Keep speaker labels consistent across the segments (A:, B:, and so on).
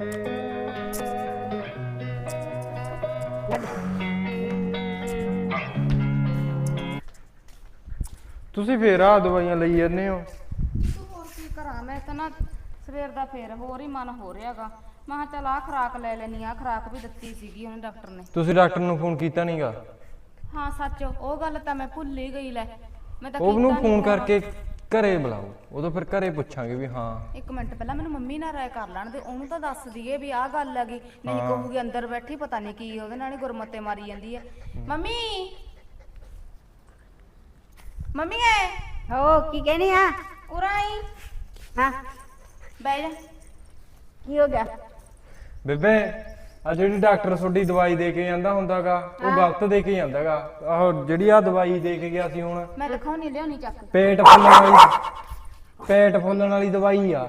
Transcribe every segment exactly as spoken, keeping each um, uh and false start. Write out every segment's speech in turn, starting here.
A: ਤੁਸੀਂ ਫੇਰ ਆ ਦਵਾਈਆਂ ਲਈ ਜਾਂਦੇ ਹੋ?
B: ਹੋਰ ਕੀ ਕਰਾਂ ਮੈਂ ਤਾਂ ਨਾ ਸਵੇਰ ਦਾ ਫੇਰ ਹੋਰ ਹੀ ਮਨ ਹੋ ਰਿਹਾਗਾ। ਮੈਂ ਕਿਹਾ ਚੱਲ ਆਹ ਖੁਰਾਕ ਲੈ ਲੈਣੀ ਆ, ਖੁਰਾਕ ਵੀ ਦਿੱਤੀ ਸੀਗੀ ਉਹਨੇ ਡਾਕਟਰ ਨੇ।
A: ਤੁਸੀਂ ਡਾਕਟਰ ਨੂੰ ਫੋਨ ਕੀਤਾ ਨਹੀਂਗਾ?
B: ਹਾਂ ਸੱਚ ਉਹ ਗੱਲ ਤਾਂ ਮੈਂ ਭੁੱਲ ਹੀ ਗਈ। ਲੈ ਮੈਂ ਤਾਂ
A: ਉਹਨੂੰ ਫੋਨ ਕਰਕੇ ਘਰੇ ਬੁਲਾਓ, ਉਦੋਂ ਫਿਰ ਘਰੇ ਪੁੱਛਾਂਗੇ ਵੀ ਹਾਂ।
B: ਇੱਕ ਮਿੰਟ ਪਹਿਲਾਂ ਮੈਨੂੰ ਮੰਮੀ ਨਾਲ ਰਾਏ ਕਰ ਲੈਣ ਦੇ, ਉਹਨੂੰ ਤਾਂ ਦੱਸ ਦਈਏ ਵੀ ਆਹ ਗੱਲ ਹੈਗੀ, ਨਹੀਂ ਕਹੂਗੀ ਅੰਦਰ ਬੈਠੀ ਪਤਾ ਨਹੀਂ ਕੀ ਉਹਦੇ ਨਾਲ ਹੀ ਗੁਰਮਤੇ ਮਾਰੀ ਜਾਂਦੀ ਹੈ। ਮੰਮੀ ਮੰਮੀ ਐ
C: ਹੋ ਕੀ ਕਹਿਣੀ ਆ?
B: ਉਰਾਈ
C: ਹਾਂ
B: ਬਹਿ ਜਾ।
C: ਕੀ ਹੋ ਗਿਆ?
A: ਬੇਬੇ ਆ ਜਿਹੜੀ ਡਾਕਟਰ ਤੁਹਾਡੀ ਦਵਾਈ ਦੇ ਕੇ ਜਾਂਦਾ ਹੁੰਦਾਗਾ ਉਹ ਗਲਤ ਦੇ ਕੇ ਜਾਂਦਾਗਾ। ਆਹੋ ਜਿਹੜੀ ਆ ਦਵਾਈ ਦੇ ਕੇ ਗਿਆ ਸੀ ਹੁਣ,
B: ਮੈਂ ਦਿਖਾਉਣੀ ਲਿਆਉਣੀ ਚੱਕ।
A: ਪੇਟ ਫੁੱਲਣ ਵਾਲੀ ਪੇਟ ਫੁੱਲਣ ਵਾਲੀ ਦਵਾਈ ਆ।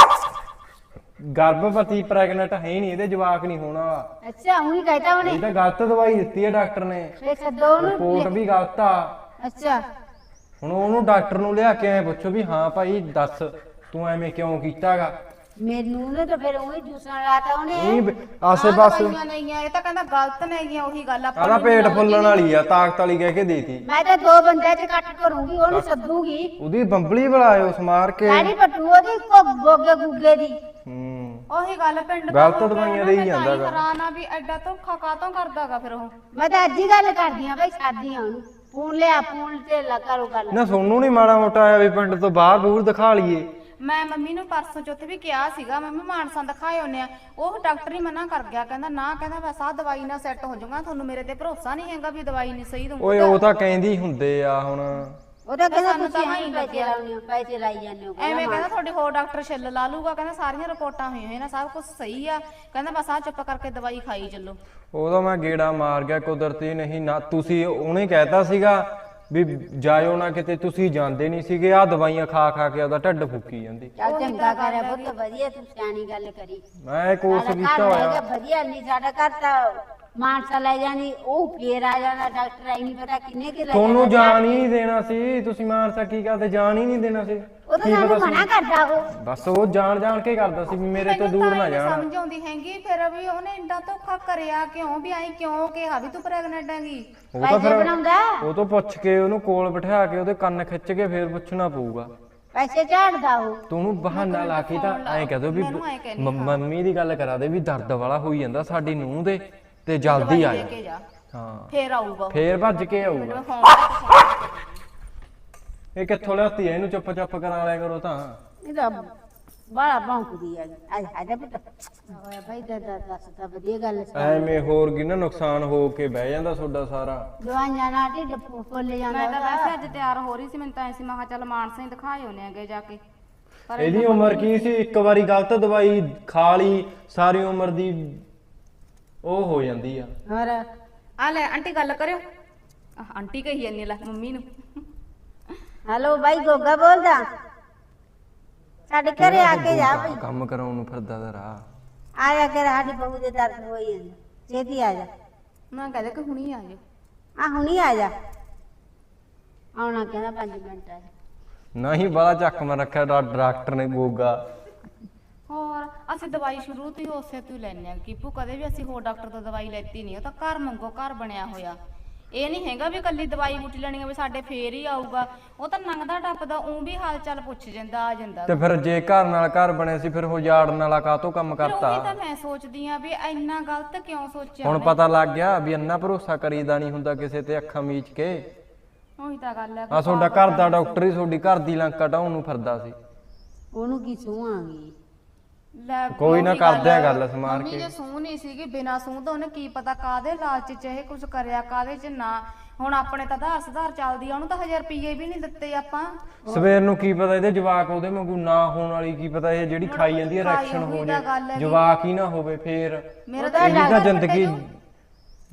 A: ਗਰਭਵਤੀ ਪ੍ਰੈਗਨੈਂਟ ਹੈ ਨਹੀਂ, ਇਹਦੇ ਜਵਾਕ ਨਹੀਂ ਹੋਣਾ ਵਾਲਾ।
C: ਅੱਛਾ ਉਹੀ ਕਹਿਤਾ ਉਹਨੇ।
A: ਇਹ ਤਾਂ ਗਲਤ ਦਵਾਈ ਦਿੱਤੀ ਹੈ ਡਾਕਟਰ ਨੇ,
C: ਫੇਰ ਛੱਡੋ ਉਹਨੂੰ।
A: ਰਿਪੋਰਟ ਵੀ ਗਲਤ ਆ।
C: ਅੱਛਾ
A: ਹੁਣ ਉਹਨੂੰ ਡਾਕਟਰ ਨੂੰ ਲਿਆ ਕੇ ਐ ਪੁੱਛੋ ਵੀ ਹਾਂ ਭਾਈ ਦੱਸ ਤੂੰ ਐਵੇਂ ਕਿਉਂ ਕੀਤਾਗਾ।
C: ਮੈਨੂੰ ਨੇ ਤਾਂ ਫਿਰ ਉਹੀ ਦੂਸਰਾ ਲਾਤਾ ਉਹਨੇ।
A: ਇਹ ਆਸੇ ਪਾਸੇ
B: ਨਹੀਂ ਆ, ਇਹ ਤਾਂ ਕਹਿੰਦਾ ਗਲਤ ਨਹੀਂ ਆ। ਉਹੀ ਗੱਲ ਆਪਾਂ
A: ਆਹ ਪੇਟ ਫੁੱਲਣ ਵਾਲੀ ਆ, ਤਾਕਤ ਵਾਲੀ ਕਹਿ ਕੇ ਦੇਤੀ।
C: ਮੈਂ ਤਾਂ ਦੋ ਬੰਦੇ ਚ ਕੱਟ ਕਰੂੰਗੀ, ਉਹਨੂੰ ਸੱਦੂਗੀ।
A: ਉਹਦੀ ਬੰਬਲੀ ਬੁਲਾਇਓ ਸਮਾਰ ਕੇ।
C: ਸਾਡੀ ਪੱਟੂ ਉਹਦੀ ਗੋਗੇ ਗੁੱਗੇ ਦੀ।
A: ਹੂੰ
B: ਉਹੀ ਗੱਲ ਪਿੰਡ
A: ਗਲਤ ਦਵਾਈਆਂ ਦੇ ਹੀ ਜਾਂਦਾ ਗਾ।
B: ਹੈਰਾਨ ਆ ਵੀ ਐਡਾ ਧੋਖਾ ਕਾਤੋਂ ਕਰਦਾਗਾ ਫਿਰ ਉਹ।
C: ਮੈਂ ਤਾਂ ਅੱਜ ਹੀ ਗੱਲ ਕਰਦੀ ਆ ਬਈ, ਸਾਦੀ ਆ ਉਹਨੂੰ। ਫੋਨ ਲਿਆ, ਫੋਨ ਤੇ ਲਾ ਕਰੋ ਗੱਲ।
A: ਨਾ ਸੋਨੂੰ ਨੀ ਮਾੜਾ ਮੋਟਾ ਆਇਆ ਵੀ ਪਿੰਡ ਤੋਂ ਬਾਹਰ ਬੂਰ ਦਿਖਾ ਲਈਏ।
B: ਮੈਂ ਮੰਮੀ ਨੂੰ ਪਰਸੋਂ ਚੌਥੇ ਵੀ ਕਿਹਾ ਸੀਗਾ ਮੰਮੀ ਮਾਨਸਾ ਦਿਖਾਏ ਹੁੰਨੇ ਆ, ਉਹ ਡਾਕਟਰ ਹੀ ਮਨਾ ਕਰ ਗਿਆ। ਕਹਿੰਦਾ ਨਾ, ਕਹਿੰਦਾ ਬਸ ਆਹ ਦਵਾਈ ਨਾਲ ਸੈੱਟ ਹੋ ਜਾਊਗਾ, ਤੁਹਾਨੂੰ ਮੇਰੇ ਤੇ ਭਰੋਸਾ ਨਹੀਂ ਹੈਗਾ ਵੀ ਦਵਾਈ ਨਹੀਂ ਸਹੀ ਦਊਗਾ।
A: ਓਏ ਉਹ ਤਾਂ ਕਹਿੰਦੀ ਹੁੰਦੇ ਆ ਹੁਣ।
C: ਉਹਦਾ ਕਹਿੰਦਾ ਤੁਸੀਂ ਐਂ ਪੈਸੇ ਲਾਉਣੇ ਹੋ, ਪੈਸੇ ਲਾਈ ਜਾਂਦੇ ਹੋ।
B: ਐਵੇਂ ਕਹਿੰਦਾ ਤੁਹਾਡੇ ਹੋਰ ਡਾਕਟਰ ਛਿੱਲ ਲਾ ਲੂਗਾ। ਕਹਿੰਦਾ ਸਾਰੀਆਂ ਰਿਪੋਰਟਾਂ ਹੋਈਆਂ ਹੋਈਆਂ ਨੇ, ਸਭ ਕੁਝ ਸਹੀ ਆ। ਕਹਿੰਦਾ ਬਸ ਆਹ ਚੁੱਪ ਕਰਕੇ ਦਵਾਈ ਖਾਈ ਚੱਲੋ।
A: ਉਹਦਾ ਮੈਂ ਗੇੜਾ ਮਾਰ ਗਿਆ ਕੁਦਰਤੀ। ਨਹੀਂ ਨਾ ਤੁਸੀਂ ਉਹਨੇ ਕਹਿਤਾ ਸੀਗਾ ਵੀ ਜਾਇਓ ਨਾ ਕਿਤੇ, ਤੁਸੀਂ ਜਾਂਦੇ ਨਹੀਂ ਸੀਗੇ। ਆਹ ਦਵਾਈਆਂ ਖਾ ਖਾ ਕੇ ਉਹਦਾ ਢਿੱਡ ਫੁੱਕੀ ਜਾਂਦੀ।
C: ਚੱਲ ਚੰਗਾ ਕਰਿਆ ਬਹੁਤ ਵਧੀਆ, ਤੂੰ ਸਿਆਣੀ ਗੱਲ ਕਰੀ।
A: ਮੈਂ ਕੋਰਸ ਕੀਤਾ ਹੋਇਆ।
C: ਵਧੀਆ ਨਹੀਂ ਸਾਡਾ ਘਰ ਤਾਂ ਮਾਨਸਾ ਲੈ ਜਾਣੀ, ਉਹ ਫੇਰ ਆ ਜਾਣਾ ਡਾਕਟਰ। ਆਈ ਨਹੀਂ ਪਤਾ ਕਿੰਨੇ ਕਿ ਲੈ
A: ਤੁਹਾਨੂੰ ਜਾਣ ਹੀ ਨਹੀਂ ਦੇਣਾ ਸੀ। ਤੁਸੀਂ ਮਾਨਸਾ ਕੀ ਕਰਦੇ, ਜਾਣ ਹੀ ਨਹੀਂ ਦੇਣਾ ਸੀ।
C: ਉਹ ਤਾਂ ਸਾਨੂੰ ਮਨਾ ਕਰਦਾ ਉਹ।
A: ਬਸ ਉਹ ਜਾਣ ਜਾਣ ਕੇ ਕਰਦਾ ਸੀ ਵੀ ਮੇਰੇ ਤੋਂ ਦੂਰ ਨਾ ਜਾਣ।
B: ਸਮਝ ਆਉਂਦੀ ਹੈਗੀ ਫਿਰ ਵੀ ਉਹਨੇ ਇੰਨਾ ਧੋਖਾ ਕਰਿਆ ਕਿਉਂ, ਵੀ ਐਂ ਕਿਉਂ ਕਿਹਾ ਵੀ ਤੂੰ ਪ੍ਰੈਗਨੈਂਟ ਹੈਗੀ।
A: ਉਹ ਤਾਂ ਫਿਰ ਉਹ ਤੋਂ ਪੁੱਛ ਕੇ ਉਹਨੂੰ ਕੋਲ ਬਿਠਾ ਕੇ ਉਹਦੇ ਕੰਨ ਖਿੱਚ ਕੇ ਫੇਰ ਪੁੱਛਣਾ ਪਊਗਾ।
C: ਪੈਸੇ ਝਾੜਦਾ ਉਹ।
A: ਤੂੰ ਉਹਨੂੰ ਬਹਾਨਾ ਲਾ ਕੇ ਤਾਂ ਐਂ ਕਹਿ ਦੋ ਵੀ ਮੰਮੀ ਦੀ ਗੱਲ ਕਰਾ ਦੇ ਵੀ ਦਰਦ ਵਾਲਾ ਹੋਈ ਜਾਂਦਾ ਸਾਡੀ ਨੂੰਹ ਦੇ, ਤੇ ਜਲਦੀ ਆ ਜਾ। ਹਾਂ
B: ਫੇਰ ਆਊਗਾ,
A: ਫੇਰ ਭੱਜ ਕੇ ਆਊਗਾ। ਇਹ ਕਿੱਥੋਂ ਲਿਆਤੀ ਐ? ਇਹਨੂੰ ਚੁੱਪ ਚਾਪ ਕਰਾ ਲਿਆ ਕਰੋ ਤਾਂ।
C: ਇਹ ਤਾਂ ਬਾਲਾ ਭੌਂਕਦੀ ਆ। ਆ ਜਾ ਪੁੱਤ। ਹੋਇਆ ਭਾਈ ਦਾ ਦੱਸ ਤਾਂ ਵਧੀਆ ਗੱਲ ਸੀ।
A: ਐਵੇਂ ਹੋਰ ਕੀ ਨਾ ਨੁਕਸਾਨ ਹੋ ਕੇ ਬਹਿ ਜਾਂਦਾ ਤੁਹਾਡਾ ਸਾਰਾ।
C: ਦਵਾਈਆਂ ਨਾਲ ਢਿੱਡ ਫੁੱਲ ਜਾਂਦਾ।
B: ਮੈਂ ਤਾਂ ਵੈਸੇ ਅੱਜ ਤਿਆਰ ਹੋ ਰਹੀ ਸੀ, ਮੈਨੂੰ ਤਾਂ ਐਸੀ ਮੈਂ ਕਿਹਾ ਚੱਲ ਮਾਨਸਾ ਹੀ ਦਿਖਾਏ ਹੋਣੇ ਅੱਗੇ ਜਾ ਕੇ। ਪਰ
A: ਇਹਦੀ ਉਮਰ ਕੀ ਸੀ? ਇੱਕ ਵਾਰੀ ਗਲਤ ਦਵਾਈ ਖਾ ਲਈ ਸਾਰੀ ਉਮਰ ਦੀ ਉਹ ਹੋ ਜਾਂਦੀ ਆ।
C: ਹੋਰ
B: ਆ ਲੈ ਆਂਟੀ ਗੱਲ ਕਰਿਓ। ਆਂਟੀ ਕਹੀ ਜਾਂਦੀ ਲੈ ਮੰਮੀ ਨੂੰ।
C: ਹੈਲੋ ਬਾਈ, ਗੋਗਾ ਬੋਲਦਾ। ਸਾਡੇ ਘਰੇ ਆ ਕੇ ਜਾ ਬਈ।
A: ਕੰਮ ਕਰਾਉਣ ਨੂੰ ਫਿਰਦਾ ਦਾ ਰਾਹ।
C: ਆ ਜਾ ਕੇ ਸਾਡੀ ਬਹੂ ਦੇ ਦਰਦ ਹੋਈ ਜਾਂਦਾ, ਛੇਤੀ ਆ ਜਾ।
B: ਮੈਂ ਕਹਿੰਦਾ ਕਿ ਹੁਣੀ ਆ ਜਾਓ।
C: ਆ ਹੁਣੀ ਆ ਜਾ। ਆਉਣਾ ਕਹਿੰਦਾ ਪੰਜ ਮਿੰਟ ਆ।
A: ਨਹੀਂ ਬੜਾ ਚੱਕ ਮੈਂ ਰੱਖਿਆ ਡਾਕਟਰ ਨੇ ਗੋਗਾ।
B: ਹੋਰ ਅਸੀਂ ਦਵਾਈ ਸ਼ੁਰੂ ਤੋਂ ਹੀ ਉਸੇ ਤੋਂ ਹੀ ਲੈਣੇ ਆ। ਕੀਪੂ ਕਦੇ ਵੀ ਅਸੀਂ ਹੋਰ ਡਾਕਟਰ ਤੋਂ ਦਵਾਈ ਲੈਤੀ ਨਹੀਂ। ਉਹ ਤਾਂ ਘਰ ਮੰਗੋ ਘਰ ਬਣਿਆ ਹੋਇਆ। ਇਹ ਨਹੀਂ ਹੈਗਾ ਵੀ ਕੱਲੀ ਦਵਾਈ ਬੂਟੀ ਲੈਣੀ ਆ ਵੀ ਸਾਡੇ ਫੇਰ ਹੀ ਆਊਗਾ। ਉਹ ਤਾਂ ਲੰਘਦਾ ਟੱਪਦਾ ਉਹ ਵੀ ਹਾਲ ਚਾਲ ਪੁੱਛ ਜਾਂਦਾ, ਆ ਜਾਂਦਾ।
A: ਤੇ ਫਿਰ ਜੇ ਘਰ ਨਾਲ ਘਰ ਬਣਿਆ ਸੀ ਫਿਰ ਉਹ ਜਾੜਨ ਵਾਲਾ ਕਾਹਤੋਂ ਕੰਮ ਕਰਤਾ?
B: ਉਹੀ ਤਾਂ ਮੈਂ ਸੋਚਦੀ ਆ ਵੀ ਇੰਨਾ ਗਲਤ ਕਿਉਂ ਸੋਚਿਆ।
A: ਹੁਣ ਪਤਾ ਲੱਗ ਗਿਆ ਵੀ ਇੰਨਾ ਭਰੋਸਾ ਕਰੀਦਾ ਨਹੀਂ ਹੁੰਦਾ ਕਿਸੇ ਤੇ ਅੱਖਾਂ ਮੀਚ ਕੇ।
B: ਉਹੀ ਤਾਂ ਗੱਲ ਹੈ।
A: ਆ ਤੁਹਾਡਾ ਘਰ ਦਾ ਡਾਕਟਰ ਹੀ ਤੁਹਾਡੀ ਘਰ ਦੀ ਲੰਕਾ ਢਾਉਣ ਨੂੰ ਫਿਰਦਾ ਸੀ।
C: ਉਹਨੂੰ ਕੀ ਸੂਹਾਂਗੀ।
A: ਕੋਈ ਨਾ ਕਰਦੇ ਆ ਗੱਲ ਸਮਾਰ ਕੇ।
B: ਜੇ ਸੂਹ ਨਹੀਂ ਸੀਗੀ, ਬਿਨਾ ਸੂਹ ਤੋਂ ਉਹਨੇ ਕੀ ਪਤਾ ਕਾਦੇ ਲਾਲਚ ਚ ਇਹ ਕੁਝ ਕਰਿਆ ਕਾਦੇ ਚ ਨਾ। ਹੁਣ ਆਪਣੇ ਤਾਂ ਆਧਾਰ ਸੁਧਾਰ ਚੱਲਦੀ ਆ, ਉਹਨੂੰ ਤਾਂ ਹਜ਼ਾਰ ਰੁਪਏ ਵੀ ਨਹੀਂ ਦਿੱਤੇ ਆਪਾਂ। ਸਵੇਰ
A: ਨੂੰ ਕੀ ਪਤਾ ਇਹਦੇ ਜਵਾਕ ਉਹਦੇ ਵਾਂਗੂ ਨਾ ਹੋਣ ਵਾਲੀ, ਕੀ ਪਤਾ ਇਹ ਜਿਹੜੀ ਖਾਈ ਜਾਂਦੀ ਹੈ ਰਿਐਕਸ਼ਨ ਹੋ ਜੇ ਜਵਾਕ ਹੀ ਨਾ ਹੋਵੇ ਫੇਰ।
B: ਮੇਰਾ
A: ਤਾਂ ਜ਼ਿੰਦਗੀ